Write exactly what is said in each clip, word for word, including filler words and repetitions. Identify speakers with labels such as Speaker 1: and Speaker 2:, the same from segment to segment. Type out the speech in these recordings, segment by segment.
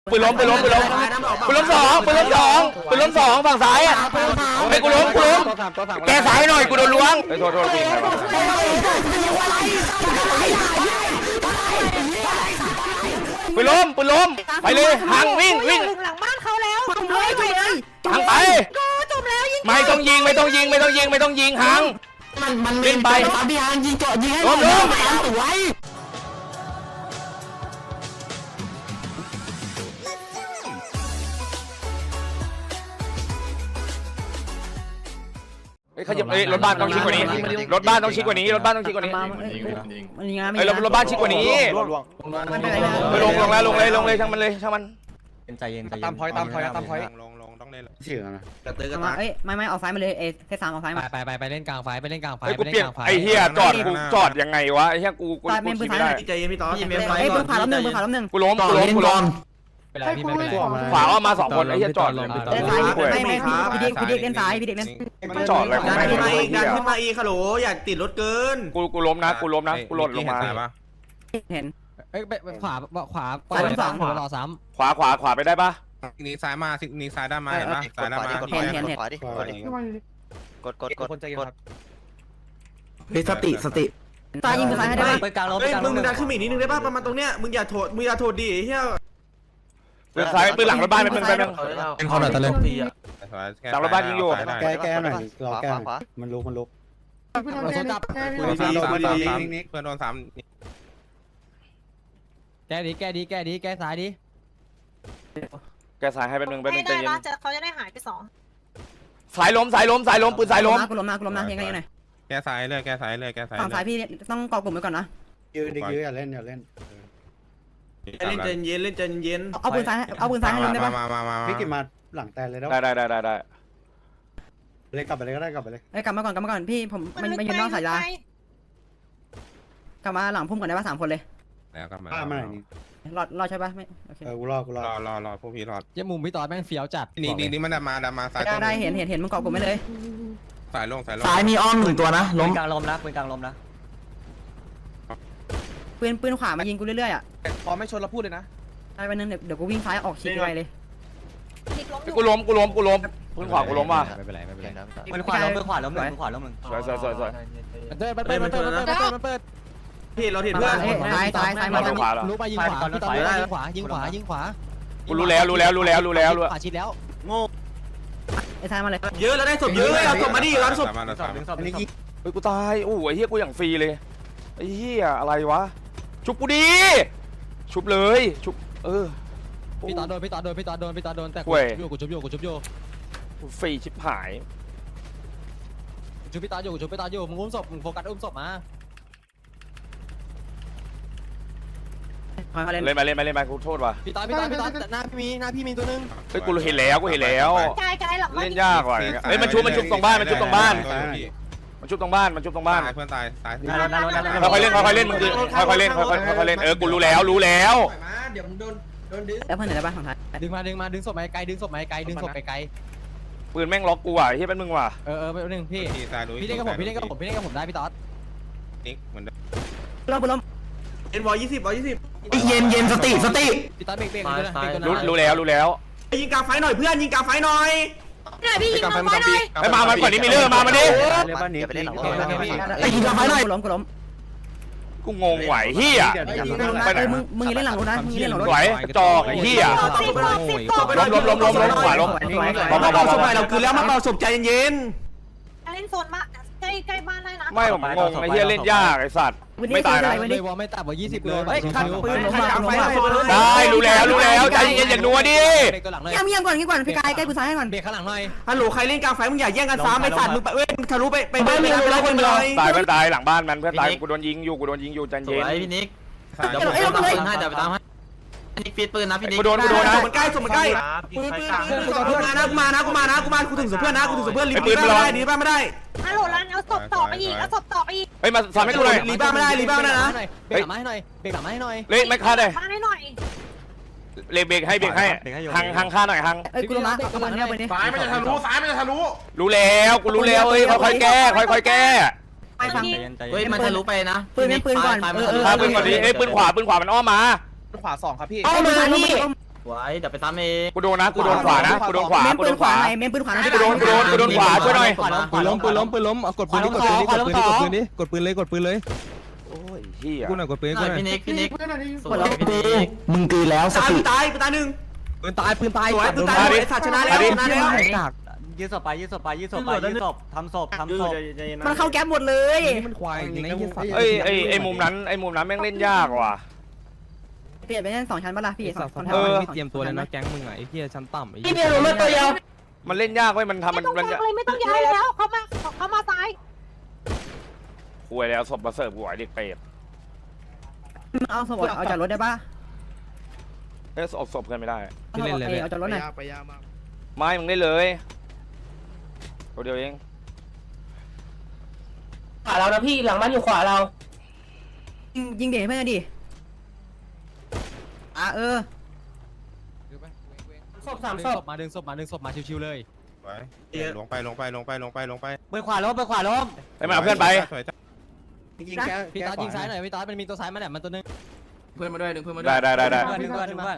Speaker 1: ปืนล้มปืนล้มปืนล้มปืนล้มสองปืนล้มสองปืนล้มสองฝั่งซ้ายอ่ะไอ้กูล้มกูล้มแกซ้ายหน่อยกูโดนล้วงไอ้โทษโทษปืนปืนล้มปืนล้มไปเลยห่างวิ่งวิ่ง
Speaker 2: หลังบ้านเขาแล้วจุ่มเลยจุ่มเลย
Speaker 1: ห่างไป
Speaker 2: จุ่มแล้วยิง
Speaker 1: ไม่ต้องยิงไม่ต้องยิงไม่ต้องยิงไม่ต้องยิงห่าง
Speaker 3: มันมัน
Speaker 1: วิ่งไป
Speaker 3: ตามพี่ฮางยิงเจาะยิงให้
Speaker 1: ล้มล้ม
Speaker 3: สวย
Speaker 1: ขยับเอ้ยรถบ้านต้องชิดกว่านี้รถบ้านต้องชิดกว่านี้รถบ้านต้องชิดกว่านี้
Speaker 2: มันยังไง
Speaker 1: เอ้ยรถบ้านชิดกว่านี้ไปลงลงแล้วลงเลยลงเลยช่างมันเลยช่างมัน
Speaker 4: ใจเย็นใจเย็น
Speaker 5: ตามพอยตามพอยตามพอย
Speaker 4: ลงลงต้องเล่น
Speaker 5: เชื่อนะ
Speaker 3: กระตือกระ
Speaker 2: มา
Speaker 3: ตาก
Speaker 2: เอ้ยไม่ไม่ออกซ้ายมาเลยเอเทสามออกซ้าย
Speaker 4: ไป
Speaker 2: มา
Speaker 4: ไปไปไปเล่นกลางไฟไปเล่นกลางไฟ
Speaker 1: ไอ้
Speaker 4: ไป
Speaker 1: กู
Speaker 4: เล่น
Speaker 1: เปลี่ยน
Speaker 4: กลางไฟ
Speaker 1: ไอ้เฮียจอดกูจอดยังไงวะไอ้เฮียกูกูกูขี่ไม่ได้
Speaker 3: ใจเย็นพี่ต๊อด
Speaker 2: เอ้ยปืนผ่าล้มหนึ่งปืนผ่าล้มหนึ่ง
Speaker 1: กูล้ม
Speaker 3: ต่อ
Speaker 1: กูล้ม
Speaker 3: เล่น
Speaker 1: กู
Speaker 3: ก่
Speaker 1: ล้
Speaker 3: อ
Speaker 1: ม
Speaker 3: น
Speaker 4: ไม่เป็นไรพี่ไม่เป็นไร
Speaker 1: ขวาว่ามาสองคนไอ้เฮียจอดเลย
Speaker 2: เล่นซ้ายไม่ไม่พี่เด็กพี่เด็กเล่นซ้ายพี่เด็กเล่น
Speaker 1: มันจอดอะไรของ
Speaker 3: ดัน
Speaker 1: แม่ง
Speaker 3: ขึ้นมาอีกดัน
Speaker 1: เฮีย
Speaker 3: ขึ้นมาอีกฮัลโหลอย่าติดรถเกิน
Speaker 1: กูกูล้มนะกูล้มนะกูหล่นลงมา
Speaker 2: เห็น
Speaker 4: เอ้ยขวาขวา
Speaker 2: ซ้ายทั้งสอง
Speaker 4: ขวารอซ้
Speaker 1: ขวาขวาขวาไปได้ปะ
Speaker 5: นี่ซ้ายมานี่ซ้ายด้านมาเห็นปะซ้ายด้านมา
Speaker 2: เห็นเห็นเห็น
Speaker 3: กดกดกด
Speaker 5: คนใจเย็นครับ
Speaker 3: เฮ้ยสติสติ
Speaker 2: ซ้ายยิงซ้ายให้ได้ปะ
Speaker 4: ำไปกลางลม
Speaker 3: เฮ้ยมึงมึงดันขึ้นมาอีกนิดนึงได้ป่ะประมาณตรงเนี้ยมึงอย่าโทษมึงอย่าโทษดิเฮีย
Speaker 1: ปืนซ้ายปืนหลังรถบ้านเป็นปืนเป็น
Speaker 4: เป็นคนหน่อยตะเลย
Speaker 1: หลังรถบ้านยิงอยู่
Speaker 5: แก้แก้หน่อยรอแก้มันลุกมันลุก
Speaker 4: เราโซจับ
Speaker 5: เพื่อนโดนสามเพื่อนโดนสาม
Speaker 4: แก้ดีแก้ดีแก้ดีแก้ซ้ายดี
Speaker 1: แกสายให้เป็นหนึ่งเป็นห
Speaker 6: ให้
Speaker 1: นึ่งใจ
Speaker 6: ได้
Speaker 1: เย็น
Speaker 6: นะจะเขาจะได้หายไปสอง
Speaker 1: สายล้มสายล้มสายล้มปืนสายล้ม
Speaker 2: กูล้มนะกูล้มนะยังไงยังไง
Speaker 5: แก้ซ้ายเลยแก้ซ้ายเลยแก้ซ้าย
Speaker 2: ฝั่งซ้ายพี่ต้องกอกลุ่มไว้ก่อนนะ
Speaker 5: ยืนดิยืนอย่าเล่นอย่าเล่น
Speaker 3: เล่นใจเย็นเล่นใจเย็น
Speaker 2: เอาปืนซ้ายเอาปืนซ้ายให้ล้มได้ปะ
Speaker 5: มามามา
Speaker 7: พี่กินมาหลังแต่เลยแล้ว
Speaker 1: ได้ได้ได้ได้ได้
Speaker 7: เลยกลับไปเลยก็ได้กลับไปเลย
Speaker 2: เอ้ยกลับมาก่อนกลับมาก่อนพี่ผมมันมันยืนนอกสายยากลับมาหลังพุ่มก่อนได้ปะสามคนเลย
Speaker 5: แล้วกลับมา
Speaker 7: ป้ามาไหนนี่
Speaker 2: รอรอใช่ปะไม่โอเค
Speaker 7: เออกูรอกูรอ
Speaker 5: รอรอรอพวกพี่รอ
Speaker 4: เจ้ามุมพี่ตอนแม่งเฟี้ยวจัด
Speaker 5: นี่นี่นี่มันดันมาดันมาซ้าย
Speaker 2: ได้ได้เห็นเห็นเห็นมึงกอกลุ่มไม่เลย
Speaker 5: สายลงสายลง
Speaker 3: ซ้ายมีอ้อมหนึ่งตัวนะล้ม
Speaker 4: กลางลมนะเป็นกลางลมนะ
Speaker 2: ปืนปืนขวามายิงกูเรื่อยๆอ่ะ
Speaker 5: พอไม่ชนเราพูดเลยนะ
Speaker 2: ได้ไปนึงเดี๋ยวเดี๋ยวกูวิ่งซ้ายออกชิดไปเลย
Speaker 6: พลิกล้มอยู่
Speaker 1: กูล้มกูล้มกูล้มปืนขวากูล้มว่ะ
Speaker 4: ไม่เป็นไรไม่เป็นไร
Speaker 2: ปืนขวาล้มปืนขวาล้มหนึ่งปืนขวาล้ม
Speaker 1: สวยสวยสวยสวย
Speaker 4: มันเปิดมันเปิดมันเปิดมันเปิดมันเปิด
Speaker 3: พี่เราเห็นเพื่อน
Speaker 2: ซ้ายซ้ายซ้ายมา
Speaker 1: ทางขวาเหรอ
Speaker 4: รู้ไปยิงขวาพี่ตอนยิงขวายิงขวายิงขวา
Speaker 1: กูรู้แล้วรู้แล้วรู้แล้วรู้แล้วรู้
Speaker 4: ขวาชิดแล้ว
Speaker 3: โง่
Speaker 2: ไอ้ซ้ายมาเลย
Speaker 3: เยอะแล้วได้ศพเยอะเอาศพมาดิเอาศพ
Speaker 5: มาสาม
Speaker 7: อันนี้กี่
Speaker 1: เฮ้ยกูตายโอ้ยเฮียกูอย่างฟรีเลยไอ้เฮียอะไรวะชุบกูดีชุบเลยชุบเออ
Speaker 4: พี่ตอนโดนพี่ตอนโดนพี่ตอนโดนพี่ตอนโดนแต่กูโยกูชุบโยกูชุบโย
Speaker 1: ฟรีชิบหาย
Speaker 4: ชุบพี่ตอนโยกูชุบพี่ตอนโยมึงอุ้มศพมึงโฟกัสอุ้มศพมา
Speaker 2: คอยมาเล่น
Speaker 1: เล่นมาเล่นมาเล่นมากูโทษว่ะ
Speaker 4: พี่ตอนพี่ตอนพี่ตอนหน้าพี่มีหน้าพี่มีตัวนึง
Speaker 1: เฮ้ยกูเห็นแล้วกูเห็นแล้ว
Speaker 6: กายกายหลังบ้าน
Speaker 1: เล่นยากว่ะเฮ้ยมันชุบมันชุบตรงบ้านมันชุบตรงบ้านมันชุบตรงบ้านมันชุบตรงบ้าน
Speaker 5: เพื่อนตายตาย
Speaker 1: ค่อยๆเล่นค่อยๆเล่นมึงคือค่อยๆเล่นค่อยๆค่อยๆเล่นเออกูรู้แล้วรู้แล้ว
Speaker 3: เดี๋ยวมึงโดนโดนดึง
Speaker 2: แล้วเพื่อนไหนได้บ้างของท้าย
Speaker 4: ดึงมาดึงมาดึงศพมาไกลดึงศพมาไกลดึงศพไปไกล
Speaker 1: ปืนแม่งล็อกกูอ่ะเฮียเป็นมึงว่ะ
Speaker 4: เออเออไปนึงพี่
Speaker 5: พี่ตายรู้
Speaker 4: พี่เล่นกับผมพี่เล่นกับผมพี่เล่นกับผมได้พี่ตอด
Speaker 5: นิกเหมือนเดิม
Speaker 2: ล้มปืนล้ม
Speaker 3: เอ็นวอลยี่สิบวอลยี่สิบเย็นเย็นสติสติ
Speaker 4: พี่ตอดเบรกเบรกเลยนะเบรกตัว
Speaker 1: รู้
Speaker 4: นั้น
Speaker 1: รู้แล้วรู้แล้ว
Speaker 3: ยิงกลางไฟหน่อยเพื่อนยิงกลางไฟหน่อย
Speaker 6: ไหนพี่ยิงลงไปหน่อย
Speaker 1: ไอ้มามันก่อนนี้มีเรื่องมามาดิ
Speaker 7: เรียกบ้านนี้ไปเล่นหลัง
Speaker 2: ไอ้ยิงกลางไฟหน่อยล้มกูล้ม
Speaker 1: กูงงไหวเฮีย
Speaker 2: ไปไหนมึงมึงเล่นหลังรถนะมึงเล่นหลังรถ
Speaker 1: ไหวจอกไอ้เฮีย
Speaker 6: สิบหกสิบหก
Speaker 1: ล้มล้มล้มล้มล้มขวาล้ม
Speaker 3: มาเป่าศพหน่อยเราคือแล้วมาเป่าศพใจเย็น
Speaker 6: เล่นโซนมาใกล้ใกล้บ้านได้นะ
Speaker 1: ไม่ผมงงไอ้เฮียเล่นยากไอ้สัตว์ไม่ตายนะ
Speaker 4: เลยวอลไม่ต่ำกว่ายี่สิบเลย
Speaker 3: เฮ้ยขัดปืนใครกลางไฟหน่อย
Speaker 1: ได้รู้แล้วรู้แล้วใจเย็นอย่านัวดิ
Speaker 4: เบรกตัวหลังเลย
Speaker 2: เยี่ยมเยี่ยมก่อนงี้ก่อนพี่กายใกล้กูซ้ายให้ก่อน
Speaker 4: เบรกข้างหลังหน่อย
Speaker 3: ฮัลโหลใครเล่นกลางไฟมึงอย่าแย่งกันซ้ำไอ้สัตว์มึงไปเว้ยทะลุไปไปบ้านมึงแล้วคนเลย
Speaker 1: ตายเพื่อนตายหลังบ้านมันเพื่อนตายกูโดนยิงอยู่กูโดนยิงอยู่ใจเย็น
Speaker 3: พี่นิกเดี๋ยวผมตามปืนให้เดี๋ยวไปตามให้นิกฟีดปืนนะพี่นิก
Speaker 1: กูโดนกูโดนนะ
Speaker 3: ส่งมันใกล้ส่งมันใกล้ปืนปืนปืนมานะกูมานะกูมานะกูมากูถึงศพเพื่อนนะกูถึงศพเพื่อนรีบบ้านไม่ได้รีบบ้านไม่ได้
Speaker 6: ฮัลโหลรันเอาศพต่อไปอีกเอาศพต่อไปอีก
Speaker 1: เฮ้ยมาสามให้กูหน่อย
Speaker 3: รีบ้านไม่ได้รีบ้านไม่ได้นะ
Speaker 4: เบรกหลังมาให้หน่อยเบรกหลังมาให้หน่อย
Speaker 1: เล่ไม่ฆ่าเลย
Speaker 6: บ้านให้หน่อย
Speaker 1: เลเบรกให้เบรกให้หังหังฆ่าหน่อยหัง
Speaker 2: เอ้ยกูล้มนะเอามันเนี่ยไปดิ
Speaker 5: ซ้ายมันจะทะลุซ้ายมันจะทะลุ
Speaker 1: รู้แล้วกูรู้แล้วเฮ้ยค่อยๆแก้ค่อยๆแก้
Speaker 2: ไปฟัง
Speaker 3: เฮ้ยมันทะลุไปนะ
Speaker 2: ปืนเป็นปืนก่อนเออเออ
Speaker 1: ฆ่าปืนก่อนดิเอ้ยปืนขวาปืนขวามันอ้อมมา
Speaker 5: ขวาสองครับพี่
Speaker 2: เอามานี่
Speaker 3: ไว้เดี๋ยวไปซ้ำเอง
Speaker 1: กูโดนนะกูโดนขวานะกูโดนขวา
Speaker 2: เมม
Speaker 1: กู
Speaker 2: ปื
Speaker 1: โด
Speaker 2: น
Speaker 1: น
Speaker 2: ข
Speaker 1: ข
Speaker 2: วาว
Speaker 1: า
Speaker 2: หน่อยเมมปืนขวาหน่อย
Speaker 1: กูโดนกูโดนกูโดนขวาช่วยหน่อย
Speaker 4: ปืนล้มปืนล้มปืนล้มเอากดปืนดิกดปืนดิกดปืนดิกดปืนดิกดปืนเลยกดปืนเลย
Speaker 1: โอ้ยเฮีย
Speaker 4: กูหน่อยกดปืนกูหน่อย
Speaker 3: พี่นิกพี่นิก
Speaker 2: สวย
Speaker 4: มึงตีแล้วส
Speaker 3: ตาย
Speaker 4: ติ
Speaker 3: ตายตายหนึ่ง
Speaker 4: ปืนตายปืนตาย
Speaker 3: สวยปืนตายไอ้สัตว์ชนะแล้วชนะแล้ว
Speaker 4: ยืดศพไปยืดศพไปยืดศพไปยืดศพทำศพทำศพ
Speaker 2: มันเข้าแก๊ปหมดเลย
Speaker 4: นี่มันควายจริงนะยืดศพ
Speaker 1: เอ้ยไอไอมุมนั้นไอมุมนั้นแม่งเล่นยากว่ะ
Speaker 2: เปลี่ยนไปนั่นสองชั้นปะล่ะพี่สองสอง
Speaker 4: เออไม่เตรียมตัวเลยนะแก๊งมึงอ่ะไอ้เหี้ยชั้นต่ำไอ้
Speaker 2: พี่เบียร์ลงมาตัวเดียว
Speaker 1: มันเล่นยากเว้ยมันทำ
Speaker 6: ไม่
Speaker 1: มัน
Speaker 6: ต้อง
Speaker 1: มัน
Speaker 6: ย้ายเลยไม่ต้องย้ายแล้วเขามาเขามาซ้าย
Speaker 1: คุยแล้วศพมาเสิร์ฟหัวเด็กเปรต
Speaker 2: เอาสมบัติเอาจากรถได้ปะ
Speaker 1: เอ้ยศพศพกันไม่ได้
Speaker 2: เอาจากรถหน่อย
Speaker 7: ไปยามา
Speaker 1: ไม่มึงได้เลยตัวเดียวเอง
Speaker 8: ขวาเรานะพี่หลังบ้านอยู่ขวาเรา
Speaker 2: ยิงยิงเด็กเพื่อนดิอ่ะเออ
Speaker 8: ศพสาม
Speaker 4: ดึง
Speaker 8: ศ
Speaker 4: ศ
Speaker 8: พ
Speaker 4: พมาดึงศพมาดึงศพมาชิวๆเลย
Speaker 5: ไว้ลงไปลงไปลงไปลงไปลงไป
Speaker 4: เบอร์ขวาล้มเบอร์ขวาล้ม
Speaker 1: ไปมาเอาเพื่อนไป
Speaker 7: ยิงแก้
Speaker 4: พี่ตายิงซ้ายหน่อยพี่ตามันมีตัวซ้ายมาเนี่ยมันตัวนึง
Speaker 3: เพื่อนมาด้วยหนึ่งเพื่อนมาด้ว
Speaker 1: ได้
Speaker 3: ย
Speaker 1: ได้ได้ได้
Speaker 4: เพื่อนเพื่อนเพื่อน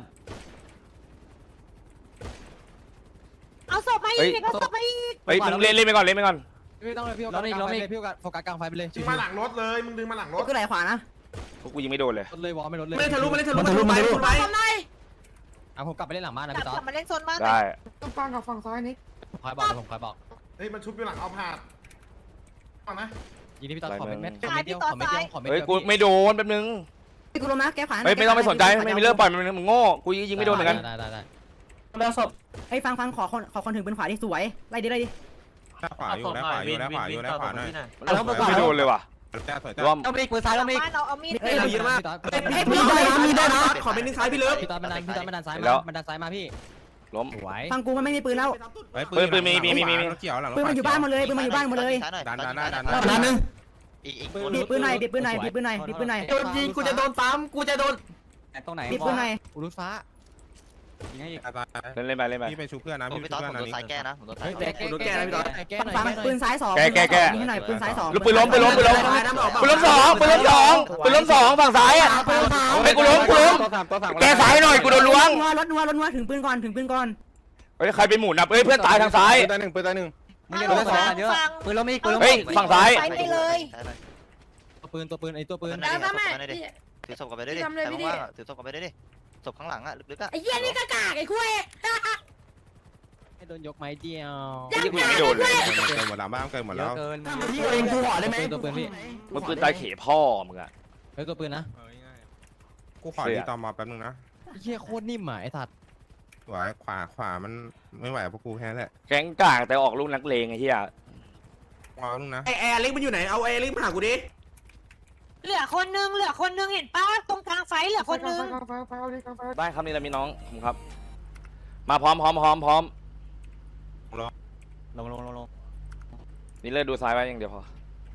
Speaker 6: เอาศพมาอีกเอาศพมาอีก
Speaker 1: เฮ้ยมึงเล่นเล่นไปก่อนเล่นไปก่อน
Speaker 4: ไม่ต้องเลยพี่โฟกัสกลางไฟพี่โฟกัสกลางไฟไปเลย
Speaker 5: ดึงมาหลังรถเลยมึงดึงมาหลังรถ
Speaker 2: ก็ไหลขวานะ
Speaker 1: พวกกูยิงไม่โดนเลย
Speaker 4: รถเลยวอลไม่รถเลย
Speaker 3: ไม่ทะลุไม่ทะลุทะลุไปทะลุไป
Speaker 6: ทำไม
Speaker 4: อ่ะผมกลับไปเล่นหลังบ้านนะ
Speaker 6: กลับ
Speaker 4: พี่ตาก
Speaker 6: ลับมาเล่นโซนบ้าน
Speaker 1: ได้
Speaker 8: ต้องฟังกับฝั่งซ้ายนี่
Speaker 4: คอยบอกผมคอยบอก
Speaker 5: เฮ้ยมันชุบอยู่หลังเอาผาดฟังนะ
Speaker 4: ยิงที่พี่ตาขอเม็ดเม็ดขอเม็ดเดียวขอเม็ดเดียวขอเม็ด
Speaker 1: เฮ้ย
Speaker 4: เดียว
Speaker 1: กูไม่โดนแป๊บนึง
Speaker 2: พี่กูลงนะแก๊ปขวา
Speaker 1: เฮ้ยไม่ต้องไปสนใจไม่มีเลิกปล่อยมันมึงโง่กูยิงไม่โดนเหมือนกัน
Speaker 4: ได้ได้ได้
Speaker 8: เราศพ
Speaker 2: ไอ้ฟังฟังขอคนขอคนถึงปืนขวาที่สวยไล่ดิไล่ดิ
Speaker 5: ด้านขวาอยู่ด้านขวาอยู่ด้านขวาอยู่ด้านขวาหน่อย
Speaker 1: ไม่โดนเลยว่ะ
Speaker 5: จ้าสวย
Speaker 1: ร
Speaker 5: จ้าว
Speaker 1: ม
Speaker 4: เอามีดปืนซ้ายเอามีด
Speaker 6: บ้านเราเอามีด
Speaker 3: เฮ้ยเยอะมาก
Speaker 2: เฮ้ยมีได้นะมีได้นะ
Speaker 3: ขอเป็นนิ้วซ้ายพี่เลิฟ
Speaker 4: พี่ตามันดันพี่ตามันดันซ้ายมามันดันซ้ายมาพี่
Speaker 1: ล้ม
Speaker 4: ไหว
Speaker 2: ฟังกูมันไม่มีปืนแล้ว
Speaker 5: เกี่ยวหลัง
Speaker 2: ปืนมันอยู่บ้านหมดเลยปืนมันอยู่บ้านหมดเลย
Speaker 5: ดันดันดันดัน
Speaker 2: นัดนึง
Speaker 7: อีกอีก
Speaker 2: บีบปืนหน่อยบีบปืนหน่อยบีบปืนหน่อยบีบปืนหน่อย
Speaker 3: โดนยิงกูจะโดนซ้ำกูจะโดน
Speaker 4: ตรงไหน
Speaker 2: บีบปืนหน่อย
Speaker 4: อุลุฟ้ายิงให้อีก
Speaker 1: เล่นเล่นไปเล่นไป
Speaker 5: พี่ไปชุบเพื่อนนะ
Speaker 7: ผม
Speaker 5: พี่
Speaker 7: ไป
Speaker 5: ชุบ
Speaker 7: ตอน
Speaker 5: เพื่อน
Speaker 7: ผม
Speaker 5: นะ
Speaker 7: โดนสายแก้นะผมโดนสาย
Speaker 4: เฮ้ยแกแกแกแกแกหน่อย
Speaker 2: ฟัง
Speaker 4: แกหน่อย
Speaker 2: ปืนซ้ายสองยิงให้หน่อยปืนซ้ายสอง
Speaker 1: ลูกปืนล้มปืนล้มปืนล้มปืนล้มสองปืนล้มสองปืนล้มสองฝั่งซ้ายอ่ะไอ้กูล้มกูล้มแกซ้ายหน่อยกูโดนล้วง
Speaker 2: นัวรถนัวรถนัวถึงปืนก่อนถึงปืนก่อน
Speaker 1: เฮ้ยใครไปหมุนอ่ะเฮ้ยเพื่อนตายทางซ้าย
Speaker 5: ปืนตายหนึ่งปืนตายหนึ่ง
Speaker 4: มึงอย่าโดนสองเยอะปืนล้มอีกปืนล้ม
Speaker 1: เฮ้ยฝั่งซ้าย
Speaker 6: ไปเลย
Speaker 4: ตัวปืนตัวปืนไอ้ตัวปืน
Speaker 6: แล้วก็แม่
Speaker 7: ถือศพกันไปได้ดิแต่ว่าถือศพกันไปได้ดิศพข้างหลังอ่ะลึกๆอ่ะ
Speaker 6: ไอ้เหี้ยนี่กากากไอ้คุย
Speaker 4: ให้โดนยกไม้เดียว
Speaker 1: ไม่กูยิงไม่โดนเลย
Speaker 5: เกินหมดแล้วบ้านเกินหมด
Speaker 4: เย
Speaker 5: แล้
Speaker 4: อะ
Speaker 5: ว
Speaker 4: เกิน
Speaker 2: พี่เองกูห่อได้ไหม
Speaker 4: ตัวปืนพี่
Speaker 1: มึงปืนตายเขพ่อมึงอ่ะ
Speaker 4: เฮ้ยตัวปืนนะ
Speaker 5: กูขอดีต่อมาแป๊บนึงนะ
Speaker 4: เฮียโคตรนิ่มอ่ะไอ้ถัด
Speaker 5: ขวาขวาขวามันไม่ไหวพวกกูแค่นั้นแหละ
Speaker 1: แก๊งกากแต่ออกลูกนักเลงไอ้เหี้ย
Speaker 5: วางนึงนะ
Speaker 3: ไอแอร์ลิงมันอยู่ไหนเอาแอร์ลิงมาหากูดิ
Speaker 6: เหลือคนนึงเหลือคนนึงเห็นป้าตรงกลางไฟเหลือคนนึง
Speaker 1: ได้ครับนี่แหละมีน้องผมครับ มาพร้อมพร้อมพร้อมพร้อม
Speaker 4: ลงลงลงลง
Speaker 1: นี่เลิกดูซ้ายไว้อย่างเดียวพอ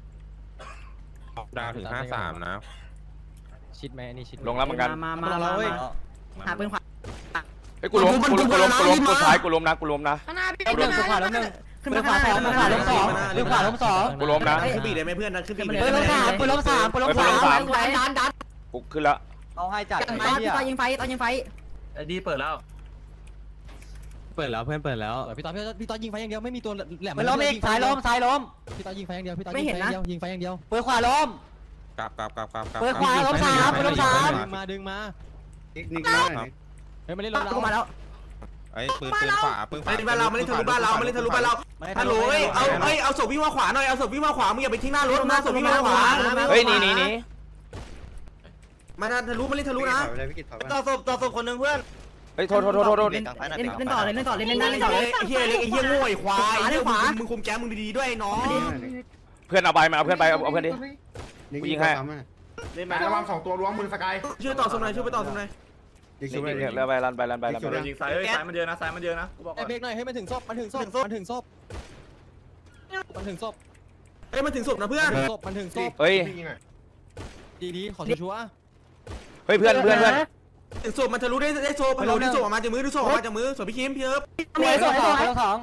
Speaker 5: ดาวถึงห้าสามนะ
Speaker 4: ชิดไหมนี่ชิด
Speaker 1: ลงแล้วเหมือนกัน
Speaker 2: มามามาหาปืนขวา
Speaker 1: เฮ้ยกูล้มกูล้มกูล้มกูล้มกูซ้ายกูล้มนะกูล้มนะ
Speaker 6: ข้างหน้าพี่
Speaker 4: ปืนขวาล้มหนึ่ง
Speaker 2: ขึ้นมาขวาสองขึ้นมาขวาล้มสอง
Speaker 4: ปืนขวาล้มสอง
Speaker 1: กูล้มนะ
Speaker 3: ขึ้นบีได้ไหมเพื่อนนะขึ้นบี
Speaker 2: ปืนล้มสามปืนล้มสามปืนล้มสามดันดัน
Speaker 1: กูขึ้นแล้ว
Speaker 4: เอาให้จัด
Speaker 2: ตอนตอนยิงไฟตอนยิงไฟ
Speaker 3: ดีเปิดแล้ว
Speaker 4: เปิดแล้วเพื่อนเปิดแล้วพี่ตอนพี่ตอนยิงไฟอย่างเดียวไม่มีตัวแหลม
Speaker 2: ปืนล้มอีกสายล้มสายล้ม
Speaker 4: พี่ตอนยิงไฟอย่างเดียวพี่ตอนยิงไฟอย่างเดียวยิงไฟอย่างเดียว
Speaker 2: ปืนขวาล้ม
Speaker 5: กลับกลับกลับกลับกลับ
Speaker 2: ปืนขวาล้มสามปืนล้มสาม
Speaker 4: ดึงมาดึงมา
Speaker 7: นิกนิกน้อย
Speaker 4: เฮ้ยมาเล่นรถเรา
Speaker 2: กูมาแล้ว
Speaker 5: ไอ้ปืนปืนขวาปืนขวา
Speaker 3: ไอ้บ้านเราไม่ได้ทะลุบ้านเราไม่ได้ทะลุบ้านเราฮัลโหลเอ้ยเอาเอ้ยเอาศพวิ่งมาขวาหน่อยเอาศพวิ่งมาขวามึงอย่าไปทิ้งหน้ารถนะศพวิ่งมาขวา
Speaker 1: เฮ้ยหนี่นี่นี่
Speaker 3: มาทะลุไม่ได้ทะลุนะ
Speaker 7: เลยพี่กิตถอยมา
Speaker 3: ต่อศพต่อศพคนนึงเพื่อน
Speaker 1: เฮ้ยโทษโทษโทษโทษโทษ
Speaker 2: เล่นเล่นต่อเลยเล่นต่อเลยเล่นได้เล่นต่อ
Speaker 3: ไอ้
Speaker 2: เลย
Speaker 3: เฮียเล็กไอ้เฮียโง่ไอ้ควายมึงคุมแก๊มึงดีๆด้วยน้อง
Speaker 1: เพื่อนเอาไปมาเอาเพื่อนไปเอาเพื่อนดิ
Speaker 7: นิก
Speaker 1: ยิงให้
Speaker 5: เล่นมาระวังสองตัวล้วงมือสกาย
Speaker 3: ช่วยต่อศพหน่อยช่วยไปต่อศพหน่อย
Speaker 7: นิก
Speaker 1: นี่
Speaker 7: ช่วย
Speaker 1: นี่แล้วไปรันไปรันไปรันไป
Speaker 5: ยิงซ้ายเอ้ยซ้ายมันเยอะนะซ้ายมันเยอะนะกูบอก
Speaker 4: ไอ้เบรกหน่อยให้มันถึงศพมันถึงศพมันถึงศพมันถึงศพ
Speaker 3: เอ้ยมันถึงศพนะเพื่อน
Speaker 4: ศพมันถึงศพ
Speaker 1: เฮ้ย
Speaker 4: ดีดีขอชัวร์
Speaker 1: เฮ้ยเพื่อนเพื่อนเพื่อน
Speaker 3: ถึงศพมันทะลุได้ได้ศพทะลุได้ศพออกมาจากมือดูศพออกมาจากมือศพพี่คิมพี่เอิบ
Speaker 2: เมย์สองสอง